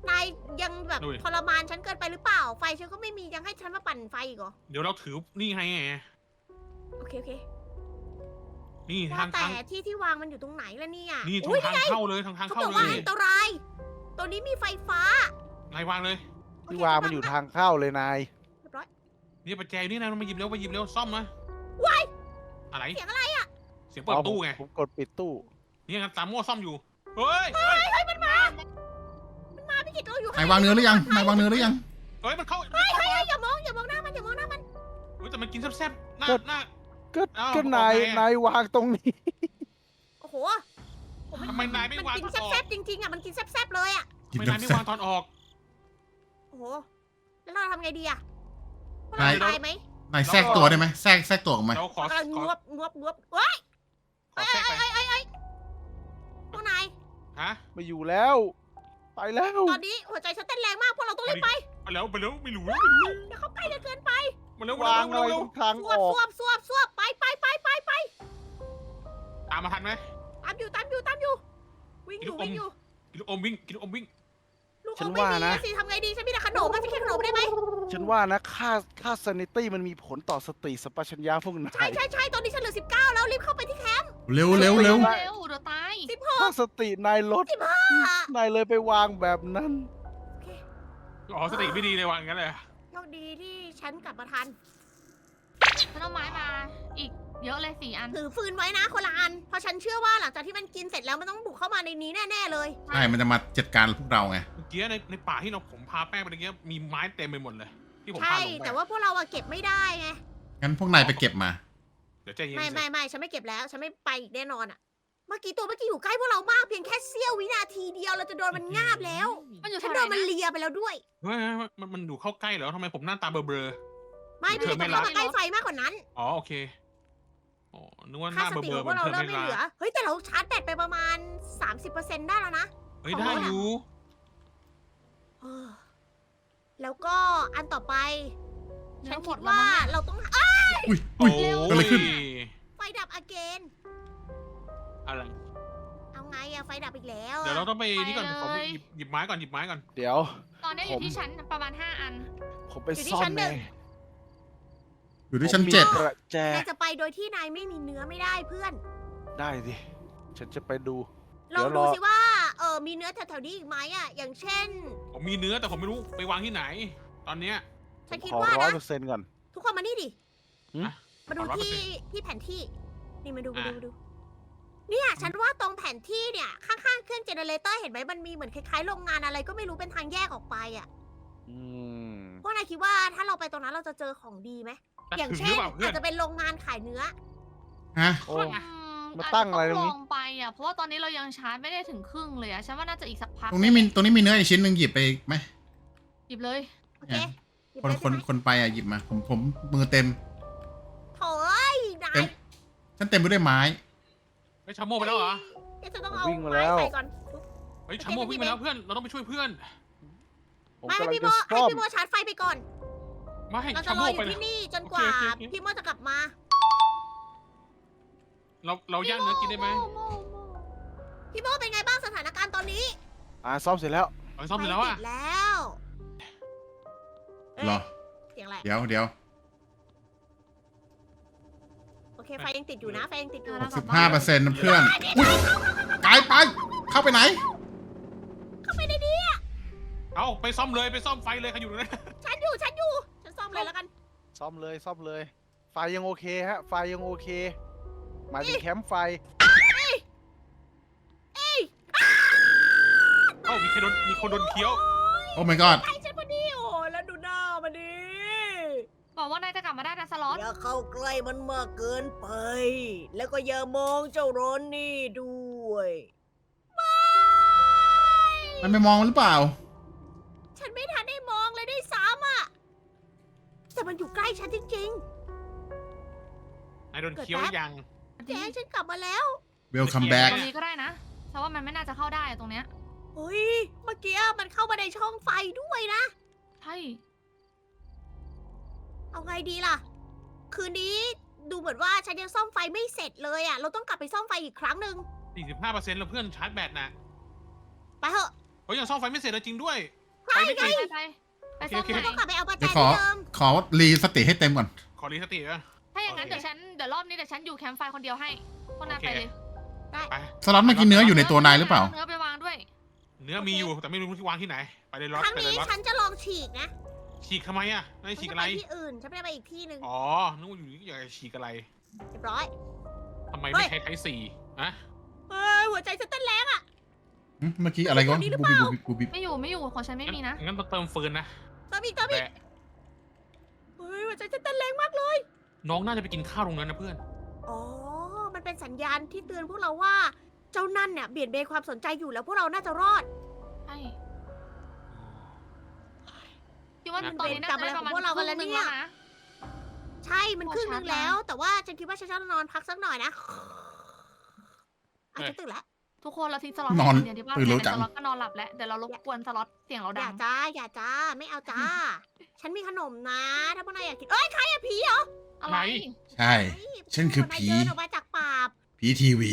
[SPEAKER 1] นายยังแบบ
[SPEAKER 2] ดูดิ
[SPEAKER 1] ทรมานฉันเกินไปหรือเปล่า ไฟฉันก็ไม่มียังให้ฉันมาปั่นไฟอีกเหรอ
[SPEAKER 2] เดี๋ยวเราถือนี่ไง
[SPEAKER 1] โอเคโอเค
[SPEAKER 2] นี่
[SPEAKER 1] ว่า
[SPEAKER 2] ทาง
[SPEAKER 1] แต่
[SPEAKER 2] ทาง
[SPEAKER 1] ที่วางมันอยู่ตรงไหนล่ะเนี่ย
[SPEAKER 2] นี่
[SPEAKER 1] อุ๊ย
[SPEAKER 2] ทางเข้าเลยทาง
[SPEAKER 1] เขา
[SPEAKER 2] เข้า
[SPEAKER 1] บอก
[SPEAKER 2] เล
[SPEAKER 1] ว่าย อันตรายตัวนี้มีไฟฟ้า
[SPEAKER 2] นายวางเลย
[SPEAKER 1] โอ
[SPEAKER 5] ที่
[SPEAKER 1] เคว
[SPEAKER 5] างมันอยู่ทางเข้าเลยนาย
[SPEAKER 1] เรียบร้อย
[SPEAKER 2] นี่ประแจนี่นะมาหยิบเร็วมาหยิบเร็วซ่อมนะ
[SPEAKER 1] ว้าย
[SPEAKER 2] อะไร
[SPEAKER 1] เสียงอะไรอ่ะ
[SPEAKER 2] เสียงเปิดตู้ไง
[SPEAKER 5] ผมกดปิดตู้
[SPEAKER 2] นี่งั้นตามมั่วซ่อมอยู่ เฮ้ย
[SPEAKER 1] มันมาพี่กิตเราอยู่
[SPEAKER 4] นายวางเนื้อหรือยังนายวางเนื้อหรือยัง
[SPEAKER 2] เฮ้ยมันเข้า
[SPEAKER 1] เฮ้ยอย่ามองหน้ามันอย่ามองหน้ามัน
[SPEAKER 2] เฮ้ยแต่มันกินแซ่บๆหน้า
[SPEAKER 5] ก็
[SPEAKER 2] หน้า
[SPEAKER 5] ก็
[SPEAKER 2] เอ้า
[SPEAKER 5] ก็
[SPEAKER 2] โอเค
[SPEAKER 5] นายวางตรงนี้
[SPEAKER 1] โอ้โห
[SPEAKER 2] ทำไมนายไม่วาง
[SPEAKER 1] มันกิน
[SPEAKER 2] ตอนออก
[SPEAKER 1] แซ่บๆจริงๆอ่ะมันกินแซ่บๆเลยอ่ะ
[SPEAKER 2] ทำไมนายไม่วางตอนออก
[SPEAKER 1] โอ้โหแล้วเราทำไงดีอ่ะพวก
[SPEAKER 4] นา
[SPEAKER 1] เรา
[SPEAKER 4] ย
[SPEAKER 1] ตายไหม
[SPEAKER 4] นายแทรกตัวได้ไหมแทรกตัวออกมา
[SPEAKER 2] เราขอ
[SPEAKER 1] เรากำลัง
[SPEAKER 2] ข
[SPEAKER 1] ง
[SPEAKER 2] อ
[SPEAKER 1] วบเฮ้ย
[SPEAKER 2] ขอแทรกไป
[SPEAKER 1] พวกนาย
[SPEAKER 2] ฮะ
[SPEAKER 5] ไม่อยู่แล้ว ไปแล้ว
[SPEAKER 1] ตอนนี้หัวใจฉันเต้นแรงมากพวกเราต้องรีบไป
[SPEAKER 2] ไปแล้วไม่รู้
[SPEAKER 1] เดี๋ยวเขาใกล้เกินไป
[SPEAKER 2] มาเร็ว
[SPEAKER 5] วางอะไร
[SPEAKER 2] เร็ว
[SPEAKER 5] ตรงทาง
[SPEAKER 1] ส
[SPEAKER 5] อ
[SPEAKER 1] ว
[SPEAKER 5] อบ ก
[SPEAKER 1] สวบไป
[SPEAKER 2] ตามมาทันไหม
[SPEAKER 1] ตามอยู่วิ่งอยู่
[SPEAKER 2] กินลูกอมวิ่งกินลูกอมวิ่ง
[SPEAKER 1] ลูก
[SPEAKER 5] ฉั
[SPEAKER 1] อม
[SPEAKER 5] น
[SPEAKER 1] ไม่
[SPEAKER 5] ว่า
[SPEAKER 1] มี
[SPEAKER 5] นะ
[SPEAKER 1] สิทำไงดีฉันมีแต่ขนมมันจะกินขนมได้ไหม
[SPEAKER 5] ฉันว่านะค่าซานิตี้มันมีผลต่อสติสัมปชัญญะพวกนา
[SPEAKER 1] ใช่
[SPEAKER 5] ย
[SPEAKER 1] ตอนนี้ฉันเหลือ19แล้วรีบเข้าไปที่แคมป์
[SPEAKER 4] เร็ว
[SPEAKER 3] เร็วเดี๋ยวตาย
[SPEAKER 5] ถ้าสตินายลด
[SPEAKER 1] 15
[SPEAKER 5] นายเลยไปวางแบบนั้น
[SPEAKER 2] อ๋อสติไม่ดีเลยวางงั้นเลย
[SPEAKER 1] โชคดีที่ฉันกลับมาทัน
[SPEAKER 3] ฉันเอาไม้มาอีกเยอะเลย4 อัน
[SPEAKER 1] ถือฟืนไว้นะคนละอันเพราะฉันเชื่อว่าหลังจากที่มันกินเสร็จแล้วมันต้องบุกเข้ามาในนี้แน่ๆเลย
[SPEAKER 4] ใช่มันจะมาจัดการพวกเราไง
[SPEAKER 2] เมื่อกี้ในป่าที่ผมพาแป้งไปเมื่อกี้มีไม้เต็มไปหมดเลย ที่ผม
[SPEAKER 1] ใช่
[SPEAKER 2] พาลงไป
[SPEAKER 1] แต่ว่าพวกเราอะเก็บไม่ได้ไง
[SPEAKER 4] งั้นพวกนายไปเก็บมา
[SPEAKER 2] เดี๋ยวใจเย็น
[SPEAKER 1] ไม่ฉันไม่เก็บแล้ว ฉันไม่ไปอีกแน่นอนอะเมื่อกี้อยู่ใกล้พวกเรามากเพียงแค่เสี้ยววินาทีเดียวเราจะโดนมันงาบแล้ว
[SPEAKER 3] มันอยู่
[SPEAKER 1] ฉัน
[SPEAKER 3] เท่า
[SPEAKER 1] โด
[SPEAKER 3] ไหร่
[SPEAKER 1] นมัน
[SPEAKER 3] นะ
[SPEAKER 1] เลียไปแล้วด้วย
[SPEAKER 2] เฮ้ยมันอยู่เข้าใกล้เหรอทำไมผมหน้าตาเบลอ
[SPEAKER 1] ไม่
[SPEAKER 2] เธ
[SPEAKER 1] พี่
[SPEAKER 2] อไม่
[SPEAKER 1] ต้อง
[SPEAKER 2] รั
[SPEAKER 1] เข้าก มาใกล้ไฟมากกว่านั้น
[SPEAKER 2] ๆอ๋อโอเคอ๋อนึกว่าห
[SPEAKER 1] ค่า
[SPEAKER 2] น้า
[SPEAKER 1] ส
[SPEAKER 2] เบล
[SPEAKER 1] ติ
[SPEAKER 2] อ
[SPEAKER 1] ข
[SPEAKER 2] ๆ
[SPEAKER 1] อง
[SPEAKER 2] เห
[SPEAKER 1] พ
[SPEAKER 2] มื
[SPEAKER 1] ว
[SPEAKER 2] อก น
[SPEAKER 1] เรา
[SPEAKER 2] เธอ
[SPEAKER 1] เริ่ม
[SPEAKER 2] ไม่
[SPEAKER 1] ไม่
[SPEAKER 2] รั
[SPEAKER 1] เหลือ
[SPEAKER 2] ก
[SPEAKER 1] เฮ้ยแต่เราชาร์จแบตไปประมาณ 30%ได้แล้วนะ
[SPEAKER 2] เฮ้ยได้อยู่
[SPEAKER 1] เออแล้วก็อันต่อไป
[SPEAKER 3] เนื้
[SPEAKER 1] ฉั
[SPEAKER 3] อน หม
[SPEAKER 1] คิ
[SPEAKER 3] ด
[SPEAKER 1] ด
[SPEAKER 3] แล้ว
[SPEAKER 1] ว่า
[SPEAKER 3] มั้งเนี่ย
[SPEAKER 1] เราต้อง
[SPEAKER 4] อุ้ย
[SPEAKER 2] โอ้
[SPEAKER 4] เกิดอะไรขึ้น
[SPEAKER 1] ไฟดับอเกน
[SPEAKER 2] อะไร
[SPEAKER 1] เอาไงอะไฟดับอีกแล้ว
[SPEAKER 2] เดี๋ยวเราต้องไปนี่ก่อน
[SPEAKER 3] ไปเลย
[SPEAKER 2] ผมหยิบไม้ก่อนหยิบไม้ก่อน
[SPEAKER 5] เดี๋ยว
[SPEAKER 3] ตอนนี้อยู่ที่ชั้นประมาณ5 อัน
[SPEAKER 5] ผมไปซ่อนแน่
[SPEAKER 4] อยู่ที่ชั้น
[SPEAKER 5] ผมมี
[SPEAKER 4] 7
[SPEAKER 5] กระแจ
[SPEAKER 1] นายจะไปโดยที่นายไม่มีเนื้อไม่ได้เพื่อน
[SPEAKER 5] ได้ดิ ฉันจะไปดู
[SPEAKER 1] ลอง
[SPEAKER 5] เดี๋ยวร
[SPEAKER 1] ดู
[SPEAKER 5] อ
[SPEAKER 1] สิว่ามีเนื้อแถวๆนี้อีกไหมอะอย่างเช่น
[SPEAKER 2] ผมมีเนื้อแต่ผมไม่รู้ไปวางที่ไหน ตอนเนี้ย
[SPEAKER 1] ฉันคิด
[SPEAKER 5] ขอ
[SPEAKER 1] ว่านะ
[SPEAKER 5] 100%ก่อน
[SPEAKER 1] ทุกคนมานี่ดิ
[SPEAKER 5] หืม
[SPEAKER 1] มาดู
[SPEAKER 2] ขอ100%
[SPEAKER 1] ที่แผนที่ นี่มาดู
[SPEAKER 2] อ่ะ
[SPEAKER 1] เนี่ยฉันว่าตรงแผนที่เนี่ยข้างๆเครื่องเจเนเรเตอร์เห็นไหมมันมีเหมือนคล้ายๆโรงงานอะไรก็ไม่รู้เป็นทางแยกออกไปอะ
[SPEAKER 5] อืม
[SPEAKER 1] พวกนายคิดว่าถ้าเราไปตรงนั้นเราจะเจอของดีไหม
[SPEAKER 2] แต่
[SPEAKER 1] อย่าง
[SPEAKER 2] ถึงห
[SPEAKER 1] เช่
[SPEAKER 2] รื
[SPEAKER 1] น
[SPEAKER 2] อเปล่าเพื่อ
[SPEAKER 1] อาน จจะเป็นโรงงานขายเนื้อ
[SPEAKER 4] ฮะ
[SPEAKER 5] โอ้ มา
[SPEAKER 3] อาจ
[SPEAKER 5] ตั้
[SPEAKER 3] จะ
[SPEAKER 5] งอะไรตรงนี้
[SPEAKER 3] ลองไปอ่ะเพราะว่าตอนนี้เรายังชาร์จไม่ได้ถึงครึ่งเลยอ่ะฉันว่าน่าจะอีกสักพัก
[SPEAKER 4] ตรงนี้มีเนื้ออีกชิ้นหนึ่งหยิบไปไหม
[SPEAKER 3] หยิบเลย
[SPEAKER 1] โอเคหยิบ
[SPEAKER 4] คน
[SPEAKER 1] เลย
[SPEAKER 4] คน
[SPEAKER 1] ใช่ไหม
[SPEAKER 4] คนไปอ่ะหยิบมา ผมมือเต็ม
[SPEAKER 1] โถ่เอ้ยนา
[SPEAKER 4] เต็
[SPEAKER 1] ย
[SPEAKER 4] ม ฉันเต็มไปด้วยไม้
[SPEAKER 2] เฮ้ยชาโม่ไปแล้วเหรอ
[SPEAKER 1] เดี๋ยวจะต้องเอา
[SPEAKER 5] วิ่งมา
[SPEAKER 1] ไม้
[SPEAKER 5] แล้ว
[SPEAKER 1] ใส่ก่อน
[SPEAKER 2] เฮ้ยชาโม่วิ่งไปแล้วเพื่อนเราต้องไปช่วยเพื่อน
[SPEAKER 5] ผม
[SPEAKER 1] ไม่
[SPEAKER 5] กำลัง
[SPEAKER 1] ให้พี่โม
[SPEAKER 5] จะ
[SPEAKER 1] ให้
[SPEAKER 5] ซ่อม
[SPEAKER 1] พี่โมชาร์จไฟไปก่อน
[SPEAKER 2] ไม่
[SPEAKER 1] เราจะ
[SPEAKER 2] ชาร โม่
[SPEAKER 1] ออ
[SPEAKER 2] ไป
[SPEAKER 1] ยู่
[SPEAKER 2] แล้ว
[SPEAKER 1] ที่นี่จนกว่า
[SPEAKER 2] โอเคโอเค
[SPEAKER 1] พี่โมจะกลับมา
[SPEAKER 2] เราย่างเนื้อกินได้ไหม
[SPEAKER 1] พี่โมเป็นไงบ้างสถานการณ์ตอนนี้
[SPEAKER 5] ซ่อมเสร็จแล้ว
[SPEAKER 2] เอาซ่อมเสร็จแล้ว
[SPEAKER 1] ไฟ
[SPEAKER 2] อ่ะ
[SPEAKER 1] ติดแล้วเอ๊ะ
[SPEAKER 4] เหรอ
[SPEAKER 1] เสียงอะไร
[SPEAKER 4] เดี๋ยว
[SPEAKER 1] โอเคไฟยังติดอยู่นะไฟยังติดอยู่
[SPEAKER 4] 65%เพื่อน อุ้ยกายไป เข้าไปไหน
[SPEAKER 1] เข้าไปในนี้อะ
[SPEAKER 2] เอาไปซ่อมเลยไปซ่อมไฟเลยใครอยู่ตรงนั้น
[SPEAKER 1] ฉันซ่อมเลยแล้วกัน
[SPEAKER 5] ซ่อมเลย ไฟยังโอเคฮะ ไฟยังโอเค หมายถึงแคมป์ไฟ
[SPEAKER 2] เอ้ามีคนโดนเคี้ยว
[SPEAKER 4] โอ้ my god
[SPEAKER 1] ไอ้ฉันพอดีโอ้แล้วดูหน้ามันดิ
[SPEAKER 3] บอกว่านายจะกลับมาได้นะสล็อต
[SPEAKER 1] อย่าเข้าใกล้มันมากเกินไป แล้วก็อย่ามองเจ้าโรนนี่ด้วย
[SPEAKER 4] มันไม่มองหรือเปล่า
[SPEAKER 1] ฉันไม่ทันได้มองเลยด้วยซ้ำอ่ะ แต่มันอยู่ใกล้ฉันจริง
[SPEAKER 2] นายโดนเคี้ยวหรือยัง
[SPEAKER 1] ๆแจ๊ฉันกลับมาแล้ว
[SPEAKER 4] welcome
[SPEAKER 2] เดี๋
[SPEAKER 4] back
[SPEAKER 3] ตรงนี้ก็ได้นะเพราะว่ามันไม่น่าจะเข้าได้อะตรงเนี้ย
[SPEAKER 1] เฮ้ย เมื่อกี้มันเข้ามาในช่องไฟด้วยนะ
[SPEAKER 3] ใช่
[SPEAKER 1] เอาไงดีล่ะ คืนนี้ดูเหมือนว่าฉันยังซ่อมไฟไม่เสร็จเลยอ่ะ เราต้องกลับไปซ่อมไฟอีกครั้งหนึ่ง
[SPEAKER 2] 45%แล้วเพื่อนชาร์จแบตนะ
[SPEAKER 1] ไปเถอะ
[SPEAKER 2] เฮ้ยยังซ่อมไฟไม่เสร็จเลยจริงด้วย
[SPEAKER 1] ใช่
[SPEAKER 2] ไม่
[SPEAKER 1] ไง
[SPEAKER 2] ติด
[SPEAKER 3] ไปซ่อม
[SPEAKER 2] โอเค
[SPEAKER 3] ไหน
[SPEAKER 1] ต้องกลับไปเอาประแจ
[SPEAKER 4] เดี๋ยวขอ
[SPEAKER 1] ที่เดิม
[SPEAKER 4] ขอรีสติให้เต็มก่อน
[SPEAKER 2] ขอรีสติอ่ะ
[SPEAKER 3] ถ้าอย่างนั้น
[SPEAKER 2] โอเค
[SPEAKER 3] เดี๋ยวรอบนี้เดี๋ยวฉันอยู่แคมป์ไฟคนเดียวให้พวกนายไปเลย
[SPEAKER 2] ไป
[SPEAKER 4] สล็อตเมื่อกี้เนื้ออยู่ในตัวนายหรือเปล่า
[SPEAKER 3] เนื้อไปวางด้วย
[SPEAKER 2] เนื้อมีอยู่แต่ไม่รู้ที่วางที่ไหน ไปเลยล็อต
[SPEAKER 1] ครั้ง
[SPEAKER 2] ไปเลย
[SPEAKER 1] นี้
[SPEAKER 2] ล็อต
[SPEAKER 1] ฉันจะลองฉีกนะ
[SPEAKER 2] ฉีกทำไมอ่ะนาย
[SPEAKER 1] ฉัน
[SPEAKER 2] ฉีก
[SPEAKER 1] จะ
[SPEAKER 2] อะไร
[SPEAKER 1] ไปที่อื่น ฉันไม่ได้ไปอีกที่หนึ่ง
[SPEAKER 2] อ๋อนึกว่าอยู่นี่อยากจะฉีกอะไร
[SPEAKER 1] เรียบร้อย
[SPEAKER 2] ทำไม
[SPEAKER 1] เฮ้
[SPEAKER 2] ไม่
[SPEAKER 1] ย
[SPEAKER 2] ใช้ไทยสี่อะ
[SPEAKER 1] เฮ้ยหัวใจฉันเต้นแรงอ่ะ
[SPEAKER 4] เมื่อกี้อะไรก็
[SPEAKER 1] ตัวนี้หรือ
[SPEAKER 4] บู
[SPEAKER 1] เป
[SPEAKER 4] บิ
[SPEAKER 1] ล่า
[SPEAKER 4] บูบิ
[SPEAKER 3] ไม่อยู่ของฉันไม่มีนะ
[SPEAKER 2] งั้นต้องเติมฟืนนะ
[SPEAKER 1] เติมอีก
[SPEAKER 2] แต่
[SPEAKER 1] เฮ้ยหัวใจฉันเต้นแรงมากเลย
[SPEAKER 2] น้องน่าจะไปกินข้าวตรงนั้นนะเพื่อน
[SPEAKER 1] อ๋อ มันเป็นสัญญาณที่เตือนพวกเราว่า เจ้านั่นเนี่ยเบี่ยนเบนความสนใจอยู่แล้วพวกเราน่าจะรอด
[SPEAKER 3] ใช่คิดว่า
[SPEAKER 2] นะ
[SPEAKER 3] ตอนนี้น่าจะได้ประมาณ
[SPEAKER 1] พวกเรากันแล้ว
[SPEAKER 3] ครึ่ง
[SPEAKER 1] เนี่ย
[SPEAKER 3] หงนะ
[SPEAKER 1] ใช่ มันครึ่งนึงแล้ว แต่ว่าฉันคิดว่าฉันจะนอนพักสักหน่อยนะอาจจะตื่นแล้ว
[SPEAKER 3] ทุกคนเราทิ้งสล็อต
[SPEAKER 4] นอน
[SPEAKER 3] เดียวที่ว่า
[SPEAKER 4] ตื่นเร็วจัง
[SPEAKER 3] สล็อตก็นอนหลับแล้วเดี๋ยวเรารบกวนสล็อตเสียงเรา
[SPEAKER 1] อ
[SPEAKER 3] ดั
[SPEAKER 1] ย่าง จ้า อย่าจ้า ไม่เอาจ้า ฉันมีขนมนะ ถ้าพวกนายอยากกิน เอ้ย ใครอะผีเหรอ
[SPEAKER 3] อะไร
[SPEAKER 4] ใช่ ฉันคือผี
[SPEAKER 1] นายเดินออกมาจากป่า
[SPEAKER 4] ผีทีวี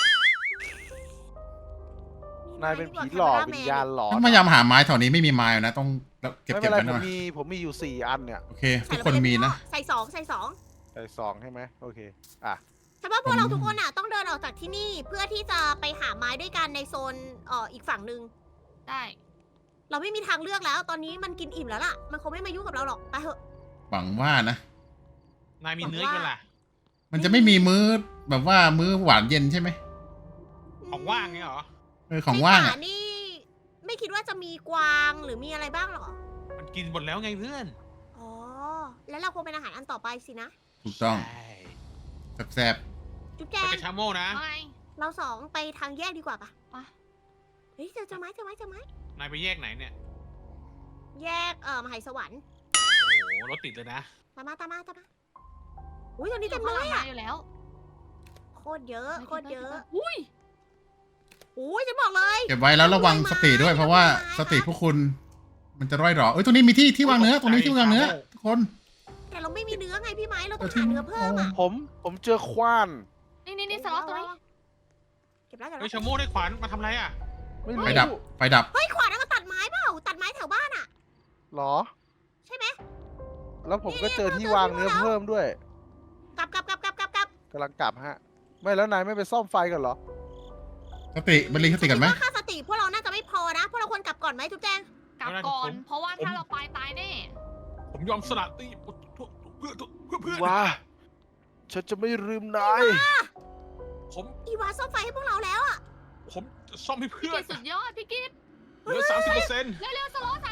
[SPEAKER 5] นายเป็นผีหลอกวิญญาณหลอน
[SPEAKER 4] ต้องพยายามหาไม้แถวนี้ไม่มีไม้นะ ต้องเก็บ
[SPEAKER 5] ไม่
[SPEAKER 4] เก็
[SPEAKER 5] เป็
[SPEAKER 4] บ
[SPEAKER 5] นไร
[SPEAKER 4] กันหน่อย
[SPEAKER 5] ผมมีอยู่4 อันเนี่ย
[SPEAKER 4] โอเค
[SPEAKER 1] ใส่
[SPEAKER 4] ทุกคนมีนะ
[SPEAKER 1] ใส่สองใส่สอง
[SPEAKER 5] ใส่2ใช่ไหมโอเคอ่ะ
[SPEAKER 1] ฉันว่าพวกเราทุกคนอ่ะต้องเดินออกจากที่นี่เพื่อที่จะไปหาไม้ด้วยกันในโซนอีกฝั่งหนึ่ง
[SPEAKER 3] ได้
[SPEAKER 1] เราไม่มีทางเลือกแล้ว ตอนนี้มันกินอิ่มแล้วล่ะ มันคงไม่มายุ่งกับเราหรอก ไปเถอะ
[SPEAKER 4] หวังว่านะ
[SPEAKER 2] นายมีเนื้ออีกแล้วล่ะ
[SPEAKER 4] มันจะไม่มีมื้อแบบว่ามื้อหวานเย็นใช่ไหม
[SPEAKER 2] ของว่างเนี่ยเหรอ
[SPEAKER 4] ของว่าง
[SPEAKER 1] ใน
[SPEAKER 4] อ่ะ
[SPEAKER 1] ป่นี่ ไม่คิดว่าจะมีกวางหรือมีอะไรบ้างหรอ
[SPEAKER 2] มันกินหมดแล้วไงเพื่อน
[SPEAKER 1] อ๋อ แล้วเราคงเป็นอาหารอันต่อไปสินะ
[SPEAKER 4] ถูกต้อง
[SPEAKER 2] ใช่
[SPEAKER 4] แซ่บ
[SPEAKER 1] จุ๊บแจ
[SPEAKER 2] ไป
[SPEAKER 1] ง
[SPEAKER 2] กับชาโมนะ
[SPEAKER 3] ไม่
[SPEAKER 1] เราสองไปทางแยกดีกว่าปะ
[SPEAKER 3] ไป
[SPEAKER 1] เฮ้ยเจอไม้เจอไม้เจอไม้
[SPEAKER 2] นายไปแยกไหนเนี่ย
[SPEAKER 1] แยกมหาสวรรค์
[SPEAKER 2] โอ้โหรถติดเลยนะ
[SPEAKER 1] ตามมาอุ้ยตอนนี้
[SPEAKER 3] อยู่
[SPEAKER 1] เต็ม
[SPEAKER 3] ข้าง
[SPEAKER 1] เล
[SPEAKER 3] หลัง
[SPEAKER 1] ย
[SPEAKER 3] มา
[SPEAKER 1] อ่ะ
[SPEAKER 3] อยู่แล้ว
[SPEAKER 1] โคตรเยอะโคตรเยอะ
[SPEAKER 3] อุ้ย
[SPEAKER 1] อุ้ยฉันบอกเลย
[SPEAKER 4] ๆเก็บไว้แล้วระวังสติด้วย เพราะว่าสติพวกคุณ มันจะร่อยหรอเอ้ยตรงนี้มีที่วางเนื้อ ตรงนี้ที่วางเนื้อ ทุกคน
[SPEAKER 1] แต่เราไม่มีเนื้อไงพี่ไม้เราต้องหาเนื้อเพิ่มอ่ะ
[SPEAKER 5] ผมเจอขวาน
[SPEAKER 3] นี่สล็อตตัวนี้
[SPEAKER 1] เก็บแล้ว
[SPEAKER 2] เฮ้ยชาโมได้ขวานมาทำอะไรอ่ะ
[SPEAKER 5] ไม่รู้
[SPEAKER 4] ไฟดับ ไฟดับ
[SPEAKER 1] เฮ้ยขวานนั่นก็ตัดไม้เปล่าตัดไม้แถวบ้านอ่ะ
[SPEAKER 5] หรอ
[SPEAKER 1] ใช่ไหม
[SPEAKER 5] แล้วผมก็เจอที่วางเนื้อเพิ่มด้วย
[SPEAKER 1] กลับ
[SPEAKER 5] กำลังกลับฮะ ไม่แล้วนายไม่ไปซ่อมไฟกันเหรอ
[SPEAKER 4] สติมันรีสติกันไหม
[SPEAKER 1] ฉัคิดว่าค่าสติพวกเราน่าจะไม่พอนะพวกเราควรกลับก่อนไหมจุ๊บแจง
[SPEAKER 3] กลับก่อน เพราะว่าถ้าเราไปตายแน่
[SPEAKER 2] ผมยอมสละตีเพื่อน
[SPEAKER 5] ว้า ฉันจะไม่ลืมนาย
[SPEAKER 2] ผม
[SPEAKER 1] อีวาซ่อมไฟให้พวกเราแล้วอ่ะ
[SPEAKER 2] ผมจะซ่อมให้
[SPEAKER 3] พี่
[SPEAKER 2] เพื่อ
[SPEAKER 3] กิ
[SPEAKER 2] น
[SPEAKER 3] ตสุดยอดพี่กิต
[SPEAKER 2] เหลือ30%
[SPEAKER 3] เร็วๆสล็อต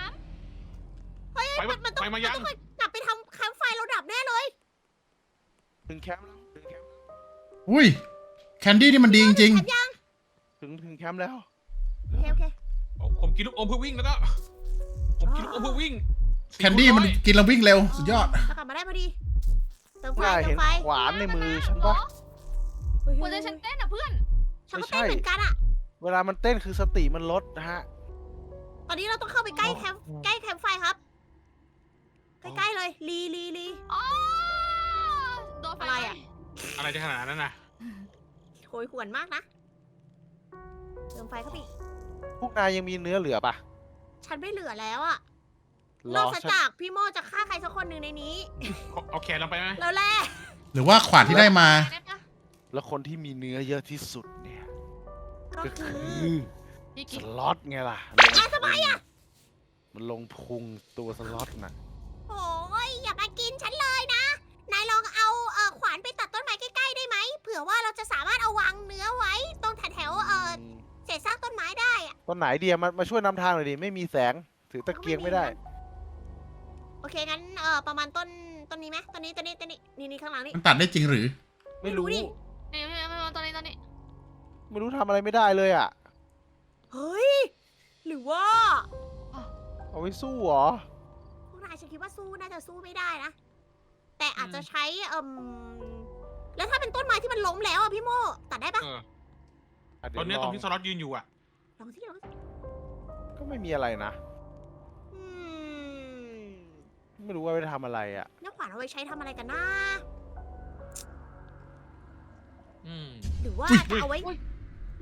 [SPEAKER 3] 33
[SPEAKER 1] เฮ้ย
[SPEAKER 2] ไป
[SPEAKER 1] มันต้อง
[SPEAKER 2] ไปมายัง
[SPEAKER 1] นต้องกลับไปทำแคมป์ไฟเราดับแน่เลย
[SPEAKER 5] ถึงแคมป์แล้วถึงแคมป์
[SPEAKER 4] อุ้ย แคนดี้นี่มันดีจริง
[SPEAKER 1] แคมป์ยัง
[SPEAKER 5] ถึงแคมป์แล้ว
[SPEAKER 1] โอเค
[SPEAKER 2] ผมกินลูกอมเพื่อวิ่งแล้วก็ ผมกินลูกอมเพื่อวิ่ง
[SPEAKER 4] ๆ แคนดี้มันกินแล้ววิ่งเร็ว สุดยอด
[SPEAKER 1] เรากลับมาได้พอดีเติมไฟ
[SPEAKER 5] นาย
[SPEAKER 1] เติ
[SPEAKER 5] เห็
[SPEAKER 1] ม
[SPEAKER 5] น
[SPEAKER 1] ไฟ
[SPEAKER 5] ขวานในมือฉันปะ
[SPEAKER 1] เฮ้ย
[SPEAKER 3] หัวใจฉันเต้นอ่ะเพื่อน
[SPEAKER 1] ฉันก็เต้นเหมือนกันอ่ะ
[SPEAKER 5] เวลามันเต้นคือสติมันลดนะฮะ
[SPEAKER 1] ตอนนี้เราต้องเข้าไปใกล้แคมป์ไฟครับ ใกล้ๆเลยลี
[SPEAKER 3] อ๋อโดนไฟ
[SPEAKER 1] อะไรอะ
[SPEAKER 2] อะไรจะขนาดนั้นน่ะ
[SPEAKER 1] โหยหวนมากนะเติมไฟเข้าไปอีก
[SPEAKER 5] พวกนายยังมีเนื้อเหลือปะ
[SPEAKER 1] ฉันไม่เหลือแล้วอ่ะ
[SPEAKER 5] ร
[SPEAKER 1] นอ
[SPEAKER 5] อก
[SPEAKER 1] จาก
[SPEAKER 5] ฉัน
[SPEAKER 1] จากพี่โมจะฆ่าใครสักคนหนึ่งในนี้
[SPEAKER 2] เอาแขนลงไปไหม
[SPEAKER 1] แล้วแหละ
[SPEAKER 4] หรือว่าขวานที่ได้มา
[SPEAKER 3] ได้ปะ
[SPEAKER 5] แล้วคนที่มีเนื้อเยอะที่สุดเนี่ย
[SPEAKER 1] ก็
[SPEAKER 5] ก็
[SPEAKER 1] คื
[SPEAKER 5] คือ อ
[SPEAKER 3] พี่
[SPEAKER 5] ส
[SPEAKER 3] กิต
[SPEAKER 5] ล็อตไงล่ะ
[SPEAKER 1] ทำไมอ่ะ
[SPEAKER 5] มันลงพุงตัวสล็อตน่ะ
[SPEAKER 1] โอ้ยอย่ามากินฉันเลยนะ นายลองเอาขวานไปตัดต้นไม้ใกล้ๆได้ไหม เผื่อว่าเราจะสามารถเอาวางเนื้อไว้ตรงแถวเศษซากต้นไม้ได้อะ
[SPEAKER 5] ต้นไหนเดียมาช่วยนำทางหน่อยดิ ไม่มีแสง ถือตะเกียงไม่ได้
[SPEAKER 1] โอเคงั้นประมาณต้นนี้ไหมต้นนี้นี่ข้างหลังนี่
[SPEAKER 4] มันตัดได้จริงหรือ
[SPEAKER 5] ไม่รู้
[SPEAKER 1] ไม่รู้ดิ
[SPEAKER 3] นี่ไม่ตอนนี้
[SPEAKER 5] ไม่รู้ทำอะไรไม่ได้เลยอ่ะ
[SPEAKER 1] เฮ้ย หรือว่า
[SPEAKER 5] เอาไว้สู้เหรอ
[SPEAKER 1] พวกนายฉันคิดว่าสู้น่าจะสู้ไม่ได้นะ แต่อาจจะใช้แล้วถ้าเป็นต้นไม้ที่มันล้มแล้วอะพี่โมตัดได้ปะ
[SPEAKER 2] เออ
[SPEAKER 5] อ่ะ
[SPEAKER 2] ต
[SPEAKER 5] เดี๋
[SPEAKER 2] อย น
[SPEAKER 5] ว
[SPEAKER 2] นี้
[SPEAKER 5] ล
[SPEAKER 2] ตร
[SPEAKER 5] อง ง
[SPEAKER 2] ที่สล็อตยืนอยู่อ่ะ
[SPEAKER 1] ลองสิ
[SPEAKER 5] ก็ไม่มีอะไรนะ
[SPEAKER 1] อืม
[SPEAKER 5] ไม่รู้ว่าไปทำอะไรอ่ะ
[SPEAKER 1] แล้วขวานเอาไว้ใช้ทำอะไรกันนะ
[SPEAKER 2] อืม
[SPEAKER 1] หรือว่า
[SPEAKER 2] อุ๊ย
[SPEAKER 1] จะเอาไว้
[SPEAKER 3] อุ๊ย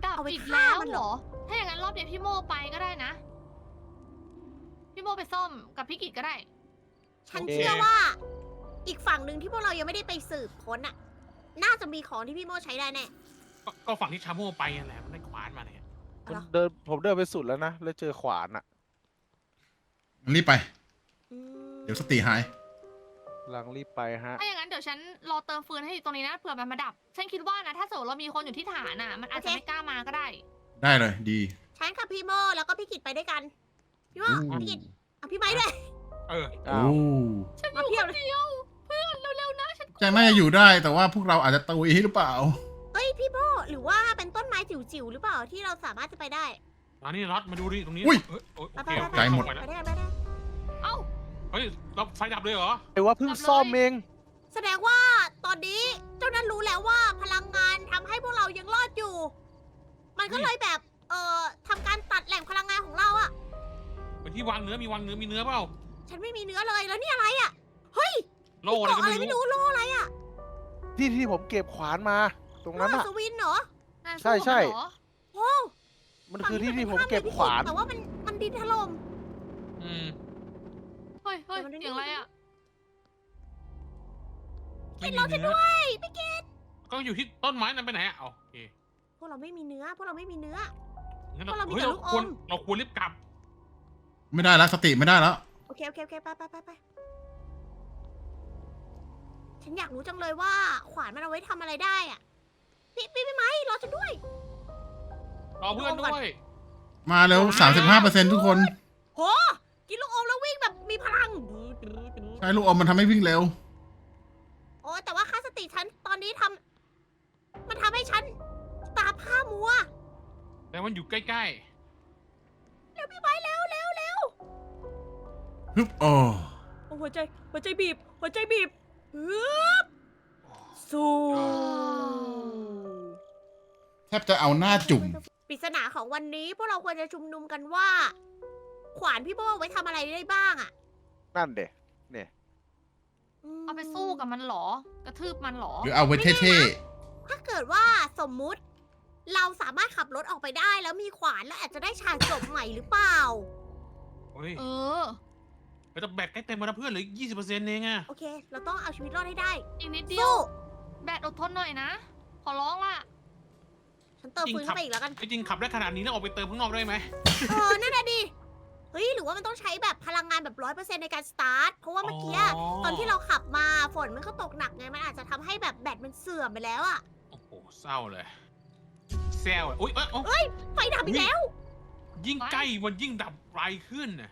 [SPEAKER 3] ดับ
[SPEAKER 1] เอาไป
[SPEAKER 3] อีก
[SPEAKER 1] ฆ่า
[SPEAKER 3] แล้ว
[SPEAKER 1] มัน
[SPEAKER 3] เห
[SPEAKER 1] เห
[SPEAKER 3] ร
[SPEAKER 1] ร
[SPEAKER 3] อ
[SPEAKER 1] อ
[SPEAKER 3] ถ้าอย่างนั้นรอบนี้พี่โมไปก็ได้นะ พี่โมไปซ่อมกับพี่กิจก็ได้
[SPEAKER 1] ฉันเชื่อว่า อีกฝั่งหนึ่งที่พวกเรายังไม่ได้ไปสืบค้นอ่ะ น่าจะมีของที่พี่โมใช้ได้แน่
[SPEAKER 2] ก็ฝั่งที่ชาโม่ไปนั่นแหละมันได้ขวานมาเนี่ย
[SPEAKER 1] เหรอ
[SPEAKER 5] ผมเดินไปสุดแล้วนะ แล้วเจอขวานอะ
[SPEAKER 4] รีบไป
[SPEAKER 1] อืม
[SPEAKER 4] เดี๋ยวสติหาย
[SPEAKER 5] กำลังรีบไปฮะ
[SPEAKER 3] ถ้าอย่างนั้นเดี๋ยวฉันรอเติมฟืนให้อยู่ตรงนี้นะเผื่อมันมาดับ ฉันคิดว่านะถ้าสมมติเรามีคนอยู่ที่ฐานอ่ะ มันอาจจะไม่กล้ามาก็ได้
[SPEAKER 4] ได้เลยดี
[SPEAKER 1] ฉันกับพี่โมแล้วก็พี่กิจไปด้วยกัน พี่โมพี่กิจเอาพี่ไม้ด้วย
[SPEAKER 2] เออ
[SPEAKER 5] อ้าว
[SPEAKER 4] โอ้
[SPEAKER 3] ฉันอยู่คนเดียว เพื่อนเร็วๆนะฉัน
[SPEAKER 4] แจงน่าจะอยู่ได้แต่ว่าพวกเราอาจจะตุยหรือเปล่า
[SPEAKER 1] เฮ้ยพี่โมหรือว่าเป็นต้นไม้จิ๋วๆหรือเปล่าที่เราสามารถจะไปได้
[SPEAKER 2] มานี่น็อตมาดูดิตรงนี้
[SPEAKER 4] อุ้ย
[SPEAKER 2] เอ้ยโอ
[SPEAKER 1] ไป
[SPEAKER 2] เค
[SPEAKER 1] ไป
[SPEAKER 2] โอ
[SPEAKER 1] ไป
[SPEAKER 2] เค
[SPEAKER 4] ใจหมด
[SPEAKER 2] ไป
[SPEAKER 1] ไป
[SPEAKER 2] แล้ว
[SPEAKER 1] ได้ไปได้
[SPEAKER 3] เอ้า
[SPEAKER 2] เฮ้ยเราไฟดับเลยเหรอ
[SPEAKER 5] ไอ้ว่าเพิ่งซ่อมเอง
[SPEAKER 1] แสดงว่าตอนนี้เจ้านั้นรู้แล้วว่าพลังงานทำให้พวกเรายังรอดอยู่ มันก็เลยแบบทำการตัดแหล่งพลังงานของเราอะ
[SPEAKER 2] เป็นที่วางเนื้อมีวางเนื้อมีเนื้อเปล่า
[SPEAKER 1] ฉันไม่มีเนื้อเลยแล้วนี่อะไรอะเฮ้ย
[SPEAKER 2] โล่อะไร
[SPEAKER 1] เกาะ
[SPEAKER 2] ก็
[SPEAKER 1] อะไร
[SPEAKER 2] ไม่
[SPEAKER 1] ไม่
[SPEAKER 2] รู้
[SPEAKER 1] รู้โลอะไรอะ
[SPEAKER 5] ที่ผมเก็บขวานมา ตรงนั้น
[SPEAKER 1] โล่
[SPEAKER 5] อะ
[SPEAKER 1] สวินเหรอ
[SPEAKER 3] นาย
[SPEAKER 5] ใช่
[SPEAKER 3] สู้กับ
[SPEAKER 5] ใช่
[SPEAKER 3] มันเหรอ
[SPEAKER 1] โอ้
[SPEAKER 5] มันคือที่ผมเก็บขวาน
[SPEAKER 1] แต่ว่ามันดินถล่ม
[SPEAKER 2] อืม
[SPEAKER 3] เฮ้ยเฮ้ย
[SPEAKER 1] เดี๋ยวมัน
[SPEAKER 3] เสียงอะไรอ่ะ
[SPEAKER 2] ไม่มี
[SPEAKER 1] เราจะ
[SPEAKER 2] เนื้อ
[SPEAKER 1] ด้วยพี่เกด
[SPEAKER 2] ก็อยู่ที่ต้นไม้นั้นไปไหนอ่ะโอเค
[SPEAKER 1] พวกเราไม่มีเนื้อพวกเราไม่มีเนื้อ
[SPEAKER 2] งั้น
[SPEAKER 1] พวกเรามี
[SPEAKER 2] เฮ้ย
[SPEAKER 1] แต่
[SPEAKER 2] เรา
[SPEAKER 1] ลูก
[SPEAKER 2] ควร
[SPEAKER 1] อม
[SPEAKER 2] เราควรรีบกลับ
[SPEAKER 4] ไม่ได้แล้วสติไม่ได้แล้ว
[SPEAKER 1] โอเคไปฉันอยากรู้จังเลยว่าขวานมันเอาไว้ทำอะไรได้อะพี่ไม้รอฉันด้วย
[SPEAKER 2] รอเพื่อนด้วย
[SPEAKER 4] มาแล้ว 35%ทุกคน
[SPEAKER 1] โหกินลูกอมแล้ววิ่งแบบมีพลัง
[SPEAKER 4] ใช้ลูกอมมันทำให้วิ่งเร็ว
[SPEAKER 1] โอ้แต่ว่าค่าสติฉันตอนนี้มันทำให้ฉันตาผ้ามัว
[SPEAKER 2] แต่มันอยู่ใกล้
[SPEAKER 1] เร็วพี่ไม้เร็ว
[SPEAKER 4] ฮึบโอ้
[SPEAKER 1] โอ้หัวใจบีบฮึบสู้
[SPEAKER 4] แทบจะเอาหน้าจุ่ม
[SPEAKER 1] ปริศนาของวันนี้พวกเราควรจะชุมนุมกันว่า ขวานพี่โบไว้ทำอะไรได้บ้างอะ
[SPEAKER 5] นั่นเด็เนี่ย
[SPEAKER 1] ม
[SPEAKER 3] เอาไปสู้กับมันเหรอ กระทืบมันเหรอ
[SPEAKER 4] หรือเอาไว้เท่
[SPEAKER 1] ถ้าเกิดว่าสมมุติ เราสามารถขับรถออกไปได้แล้วมีขวานแล้วอาจจะได้ฉากจบใหม่หรือเปล่า
[SPEAKER 2] ๆเฮ้ย
[SPEAKER 3] เออ
[SPEAKER 2] แต่แบตใกล้เต็มแล้วนะเพื่อนเหลือ20%เองอ่ะ
[SPEAKER 1] โอเค เราต้องเอาชีวิตรอดให้ได้
[SPEAKER 3] อีกนิดเดียว
[SPEAKER 1] สู้
[SPEAKER 3] แบตอดทนหน่อยนะ ขอร้องล่ะ
[SPEAKER 1] ฉันเติมฟืนเข้าไปอีกแล้วกัน
[SPEAKER 2] จริงๆขับได้ขนาดนี้แล้วออกไปเติมข้างนอกได้ไหม
[SPEAKER 1] นั่นน่ะดิ เฮ้ย หรือว่ามันต้องใช้แบบพลังงานแบบ100%ในการสตาร์ท เพราะว่าเมื่อกี้ตอนที่เราขับมาฝนมันก็ตกหนักไง มันอาจจะทำให้แบบแบตมันเสื่อมไปแล้วอะ
[SPEAKER 2] โอ้โหเศร้าเลยแซวอุ้ยเอ้ย
[SPEAKER 1] ไฟดับอีกแล้ว
[SPEAKER 2] ยิ่งใกล้มันยิ่งดับไวขึ้นน่ะ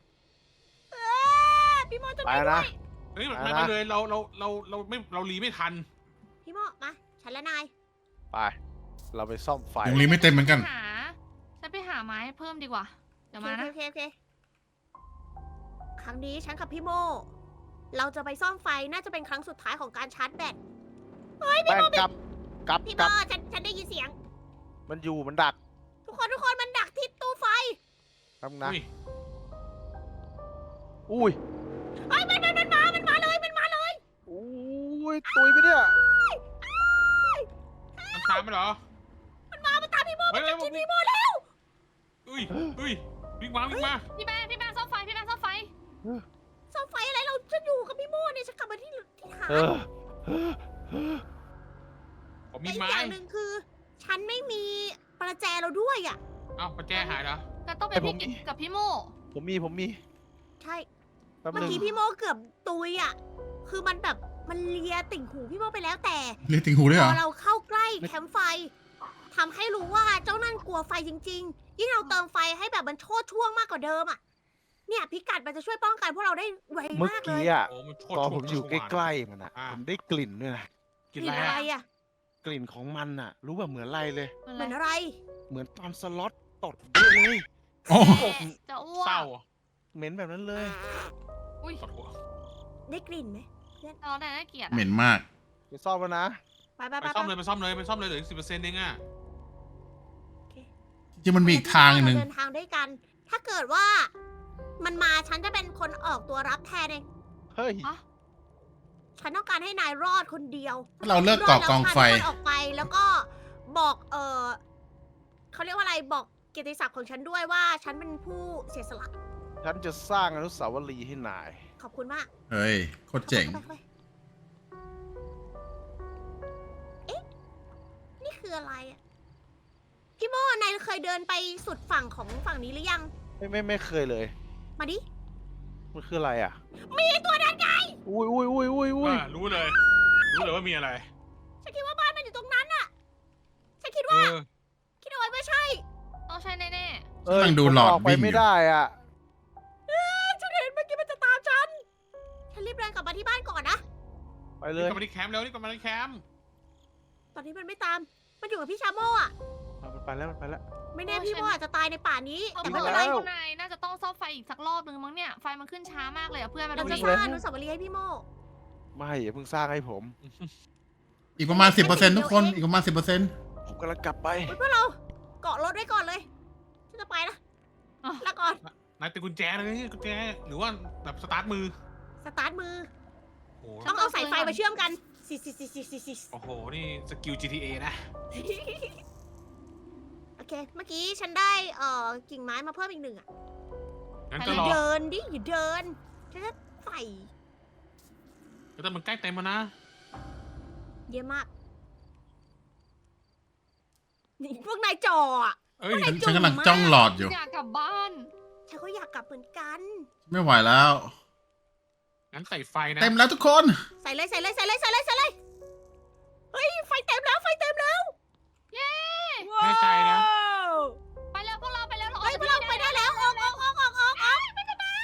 [SPEAKER 1] พี่โมจะ
[SPEAKER 5] ไป
[SPEAKER 1] ไปด้
[SPEAKER 5] นะ
[SPEAKER 1] วย
[SPEAKER 2] เฮ้ย
[SPEAKER 5] ไป
[SPEAKER 2] ไม่
[SPEAKER 5] นะ
[SPEAKER 2] เลยเราไม่เรารีไม่ทัน
[SPEAKER 1] พี่โมมา ฉันและนาย
[SPEAKER 5] ไป เราไปซ่อมไฟ
[SPEAKER 4] ๆยังรีไม่เต็มเหมือนกัน
[SPEAKER 3] ฉันไปหาไม้เพิ่มดีกว่า เดี๋ยวมานะ
[SPEAKER 1] โอเค ครั้งนี้ฉันกับพี่โม เราจะไปซ่อมไฟ น่าจะเป็นครั้งสุดท้ายของการชาร์จแบต
[SPEAKER 5] แป้งกลับ
[SPEAKER 1] พี่โมฉันได้ยินเสียง
[SPEAKER 5] มันอยู่มันดัก
[SPEAKER 1] ทุกคนมันดักที่ตู้ไฟ
[SPEAKER 5] ทำนะ
[SPEAKER 2] อุ้ย
[SPEAKER 5] อุ้ย
[SPEAKER 1] เฮ้ยมันมาเลย
[SPEAKER 5] อุ้ยตุยไปเนี่ย
[SPEAKER 2] มันตามไปเหรอ
[SPEAKER 1] มันตามพี่โม
[SPEAKER 2] เฮ้ย
[SPEAKER 1] กินพี่โมแล้ว
[SPEAKER 2] อุ้ยวิ่งมา
[SPEAKER 3] พี่แม่ซ่อมไฟ
[SPEAKER 1] ซ่อมไฟอะไรฉันอยู่กับพี่โมเนี่ยฉันกลับมาที่ฐาน
[SPEAKER 5] เออ
[SPEAKER 2] ผม
[SPEAKER 1] แต่
[SPEAKER 2] มี
[SPEAKER 1] อีก
[SPEAKER 2] ไม้
[SPEAKER 1] อย่างหนึ่งคือ ฉันไม่มีประแจเราด้วยอ่ะ
[SPEAKER 2] เอ้าประแจหายเหรอ
[SPEAKER 3] ก็ต้องเป็นพี่กิจกับพี่โม
[SPEAKER 5] ผมมี
[SPEAKER 1] ใช่
[SPEAKER 5] แป๊บ
[SPEAKER 1] เมื่อ
[SPEAKER 5] นึง
[SPEAKER 1] กี้พี่โมเกือบตุยอ่ะ คือมันแบบมันเลียติ่งหูพี่โมไปแล้วแต่
[SPEAKER 4] เรียกติงหูด้วย
[SPEAKER 1] พ
[SPEAKER 4] เหรอ
[SPEAKER 1] อเราเข้าใกล้แคมป์ไฟทำให้รู้ว่าเจ้านั่นกลัวไฟจริงๆ ยิ่งเราเติมไฟให้แบบมันโชดช่วงมากกว่าเดิมอ่ะ เนี่ยพิกัดมันจะช่วยป้องกันพวกเราได้ไว
[SPEAKER 5] เมื่อ
[SPEAKER 1] มากเล
[SPEAKER 5] กี้
[SPEAKER 1] ย
[SPEAKER 5] อ่ะ
[SPEAKER 2] โอ้มันโช
[SPEAKER 5] ตอน
[SPEAKER 2] ด
[SPEAKER 5] ผมอยู่ใกล้ๆมันอ่ะ
[SPEAKER 2] อ่า
[SPEAKER 5] ผมได้กลิ่นด้วยนะ
[SPEAKER 2] กิน
[SPEAKER 1] กลิ่น
[SPEAKER 2] อะไร
[SPEAKER 1] อะไร
[SPEAKER 2] อะ
[SPEAKER 1] อ่ะ
[SPEAKER 5] กลิ่นของมันอ่ะ รู้แบบเหมือนอะไรเลย
[SPEAKER 1] เหมือนอะไร
[SPEAKER 5] เหมือนตอนสล็อตตดเยอะเลย
[SPEAKER 4] โอ้
[SPEAKER 3] จะอ้ว
[SPEAKER 2] เศร้าก
[SPEAKER 5] เหม็นแบบนั้นเลย
[SPEAKER 3] อุ้ย
[SPEAKER 2] ปวดหัว
[SPEAKER 1] ได้กลิ่นไหม
[SPEAKER 3] เราได้น่าเกลียด
[SPEAKER 4] เหม็นมาก
[SPEAKER 5] ไปซ่อมแล้วนะ
[SPEAKER 1] ไป
[SPEAKER 2] ไปซ่อมเลยเหลือ10%เองอ่ะ
[SPEAKER 4] จริงๆมันมีอีกทางหนึ่ง
[SPEAKER 1] เดินทางด้วยกัน ถ้าเกิดว่า มันมาฉันจะเป็นคนออกตัวรับแทนเอง
[SPEAKER 5] เฮ้ย
[SPEAKER 1] ฉันต้องการให้นายรอดคนเดียว
[SPEAKER 4] ถ้าเราเลิกก่อกองไฟ
[SPEAKER 1] รดแล้วพาทุกคนออกไปแล้วก็บอกเขาเรียกว่าอะไรบอกเกียรติศักดิ์ของฉันด้วยว่าฉันเป็นผู้เสียสละ
[SPEAKER 5] ฉันจะสร้างอนุสาวรีย์ให้นาย
[SPEAKER 1] ขอบคุณมาก
[SPEAKER 4] เฮ้ยโคตรเจ๋ง
[SPEAKER 1] ไปเอ๊ะ นี่คืออะไรอะพี่โมนายเคยเดินไปสุดฝั่งของฝั่งนี้หรือยัง
[SPEAKER 5] ไม่เคยเลย
[SPEAKER 1] มาดิ
[SPEAKER 5] มันคืออะไรอ่ะ
[SPEAKER 1] มีตัวนั้นไง
[SPEAKER 5] อุ้ย
[SPEAKER 2] รู้เลยว่ามีอะไร
[SPEAKER 1] ฉันคิดว่าบ้านมันอยู่ตรงนั้นอะฉันคิด
[SPEAKER 2] เอ
[SPEAKER 1] ว่า
[SPEAKER 2] อ
[SPEAKER 1] คิดเอาไว้ไม่ใช่
[SPEAKER 3] ต้องใช่แน่
[SPEAKER 5] เอ้ย
[SPEAKER 4] กำลังดูหลอด
[SPEAKER 5] ผมออกไป
[SPEAKER 4] วิ่งอยู่
[SPEAKER 5] ไม่ได้อ่ะ
[SPEAKER 1] ฉันเห็นเมื่อกี้มันจะตามฉัน ฉันรีบเดินกลับมาที่บ้านก่อนนะ
[SPEAKER 5] ไป
[SPEAKER 2] นี่
[SPEAKER 5] เลย
[SPEAKER 2] กลับมาที่แคมป์แล้วนี่กลับมาที่แคมป์
[SPEAKER 1] ตอนนี้มันไม่ตาม มันอยู่กับพี่ชาโมอะ
[SPEAKER 5] มันไปแล้วมันไปแล้ว
[SPEAKER 1] ไม่แน่พี่โมอาจจะตายในป่านี้
[SPEAKER 3] ๆ
[SPEAKER 1] แต่
[SPEAKER 3] เพื่
[SPEAKER 1] ไม่
[SPEAKER 3] อน
[SPEAKER 1] เป็นไร
[SPEAKER 5] แล้ว
[SPEAKER 3] คุณนายน่าจะต้องซ่อมไฟอีกสักรอบนึงมั้งเนี่ยไฟมันขึ้นช้ามากเลยอะเพื่อนมา
[SPEAKER 1] เรา
[SPEAKER 3] ดู
[SPEAKER 1] จะ
[SPEAKER 3] ดิ
[SPEAKER 1] สร้างอนุสาวรีย์ให้พี่โม
[SPEAKER 5] ไม่อย่าเพิ่งสร้างให้ผม
[SPEAKER 4] อีกประมาณ 10%ทุกคนอีกประมาณ 10%
[SPEAKER 5] ผมกำลังกลับไป
[SPEAKER 1] เฮ้ยพวกเราเกาะรถไว้ก่อนเลย ฉันจะไปนะลาก่อน
[SPEAKER 2] นายติดกุญแจเลยกุญแจหรือว่าแบบสตาร์ทมือ
[SPEAKER 1] สตาร์ทมือ
[SPEAKER 2] โอ้โห
[SPEAKER 1] ต้องเอาสายไฟมาเชื่อมกันสิ
[SPEAKER 2] โอ้โหนี่สกิล GTA นะ
[SPEAKER 1] โอเค เมื่อกี้ฉันได้กิ่งไม้มาเพิ่มอีก1อะ
[SPEAKER 2] งั้น
[SPEAKER 1] อ
[SPEAKER 2] ก็
[SPEAKER 1] ย่าร
[SPEAKER 2] อ
[SPEAKER 1] เดินดิอย่าเดิน ฉันจะใส่
[SPEAKER 2] แต่มันใกล้เต็มแล้วนะ
[SPEAKER 1] เยอะมาก นี่พวกนายจ่ออะ
[SPEAKER 2] เอ้ย
[SPEAKER 4] ฉันกำลังจ้องหลอดอยู่
[SPEAKER 3] อยากกลับบ้าน
[SPEAKER 1] ฉันก็อยากกลับเหมือนกัน
[SPEAKER 4] ไม่ไหวแล้ว
[SPEAKER 2] งั้นใส่ไฟนะ
[SPEAKER 4] เต็มแล้วทุกคน
[SPEAKER 1] ใส่เลยเฮ้ยไฟเต็มแล้วไฟเต็มแล้ว
[SPEAKER 3] เย้
[SPEAKER 2] แน่ใจนะ
[SPEAKER 3] ไปแล้วพวกเราไปแล้วเรา
[SPEAKER 1] เฮ้ยพวกเราไปได้แล้วออก
[SPEAKER 3] ไม่ได้กด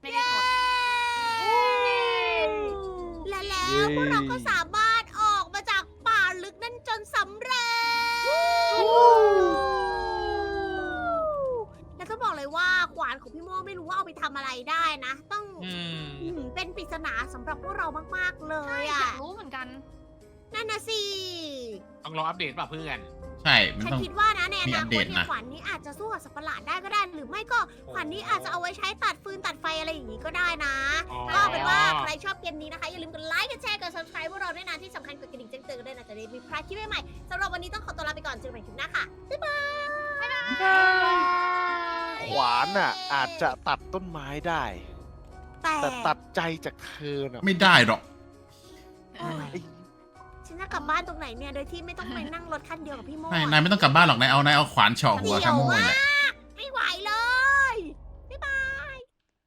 [SPEAKER 1] และแล้วพวกเราก็สามารถออกมาจากป่าลึกนั่นจนสำเร็จ และต้องบอกเลยว่าขวานของพี่โม่ไม่รู้ว่าเอาไปทำอะไรได้นะ ต้อง
[SPEAKER 2] อืม
[SPEAKER 1] เป็นปริศนาสำหรับพวกเรามากๆเล
[SPEAKER 3] ใช่
[SPEAKER 1] ย
[SPEAKER 3] อยา
[SPEAKER 1] อ่ะ
[SPEAKER 3] กรู้เหมือนกัน
[SPEAKER 1] นั่นนะสิ
[SPEAKER 2] ต้องรออัปเดตป่ะเพื่อน
[SPEAKER 4] ใช่มัน
[SPEAKER 1] ฉัน
[SPEAKER 4] ต้อง
[SPEAKER 1] คิดว่านะในอ
[SPEAKER 4] มี
[SPEAKER 1] นา
[SPEAKER 4] อัป
[SPEAKER 1] ค
[SPEAKER 4] เด
[SPEAKER 1] ต
[SPEAKER 4] ต
[SPEAKER 1] เนี่ย
[SPEAKER 4] นะ
[SPEAKER 1] ขวานนี้อาจจะสู้กับสัตว์ประหลาดได้ก็ได้ หรือไม่ก็ขวานนี้อาจจะเอาไว้ใช้ตัดฟืนตัดไฟอะไรอย่างนี้ก็ได้นะ
[SPEAKER 2] อ๋อ
[SPEAKER 1] ก็เป็นว่าใครชอบเกมนี้นะคะ อย่าลืมกดไลค์กดแชร์กด subscribe พวกเราด้วยนะที่สำคัญกดกระดิ่งแจ้งเตือนกันด้วยนะจะได้มีพลาดคลิปใหม่ๆสำหรับวันนี้ต้องขอตัวลาไปก่อนเจอกันใหม่คลิปหน้าค่ะ บ๊ายบาย
[SPEAKER 5] ขวานอ่ะ อาจจะตัดต้นไม้ได้
[SPEAKER 1] แต่
[SPEAKER 5] แต่ตัดใจจากเธอน่ะ
[SPEAKER 4] ไม่ได้หรอก
[SPEAKER 1] โอ้ยฉันจะกลับบ้านตรงไหนเนี่ย โดยที่ไม่ต้องไปนั่งรถคันเดียวกับพี่โม่
[SPEAKER 4] นายไม่ต้องกลับบ้านหรอกนายเอาขวานเฉาะหัว
[SPEAKER 1] เดี่
[SPEAKER 4] คา
[SPEAKER 1] ยว
[SPEAKER 4] โม่
[SPEAKER 1] มา
[SPEAKER 4] แหละ
[SPEAKER 1] กไม่ไหวเลย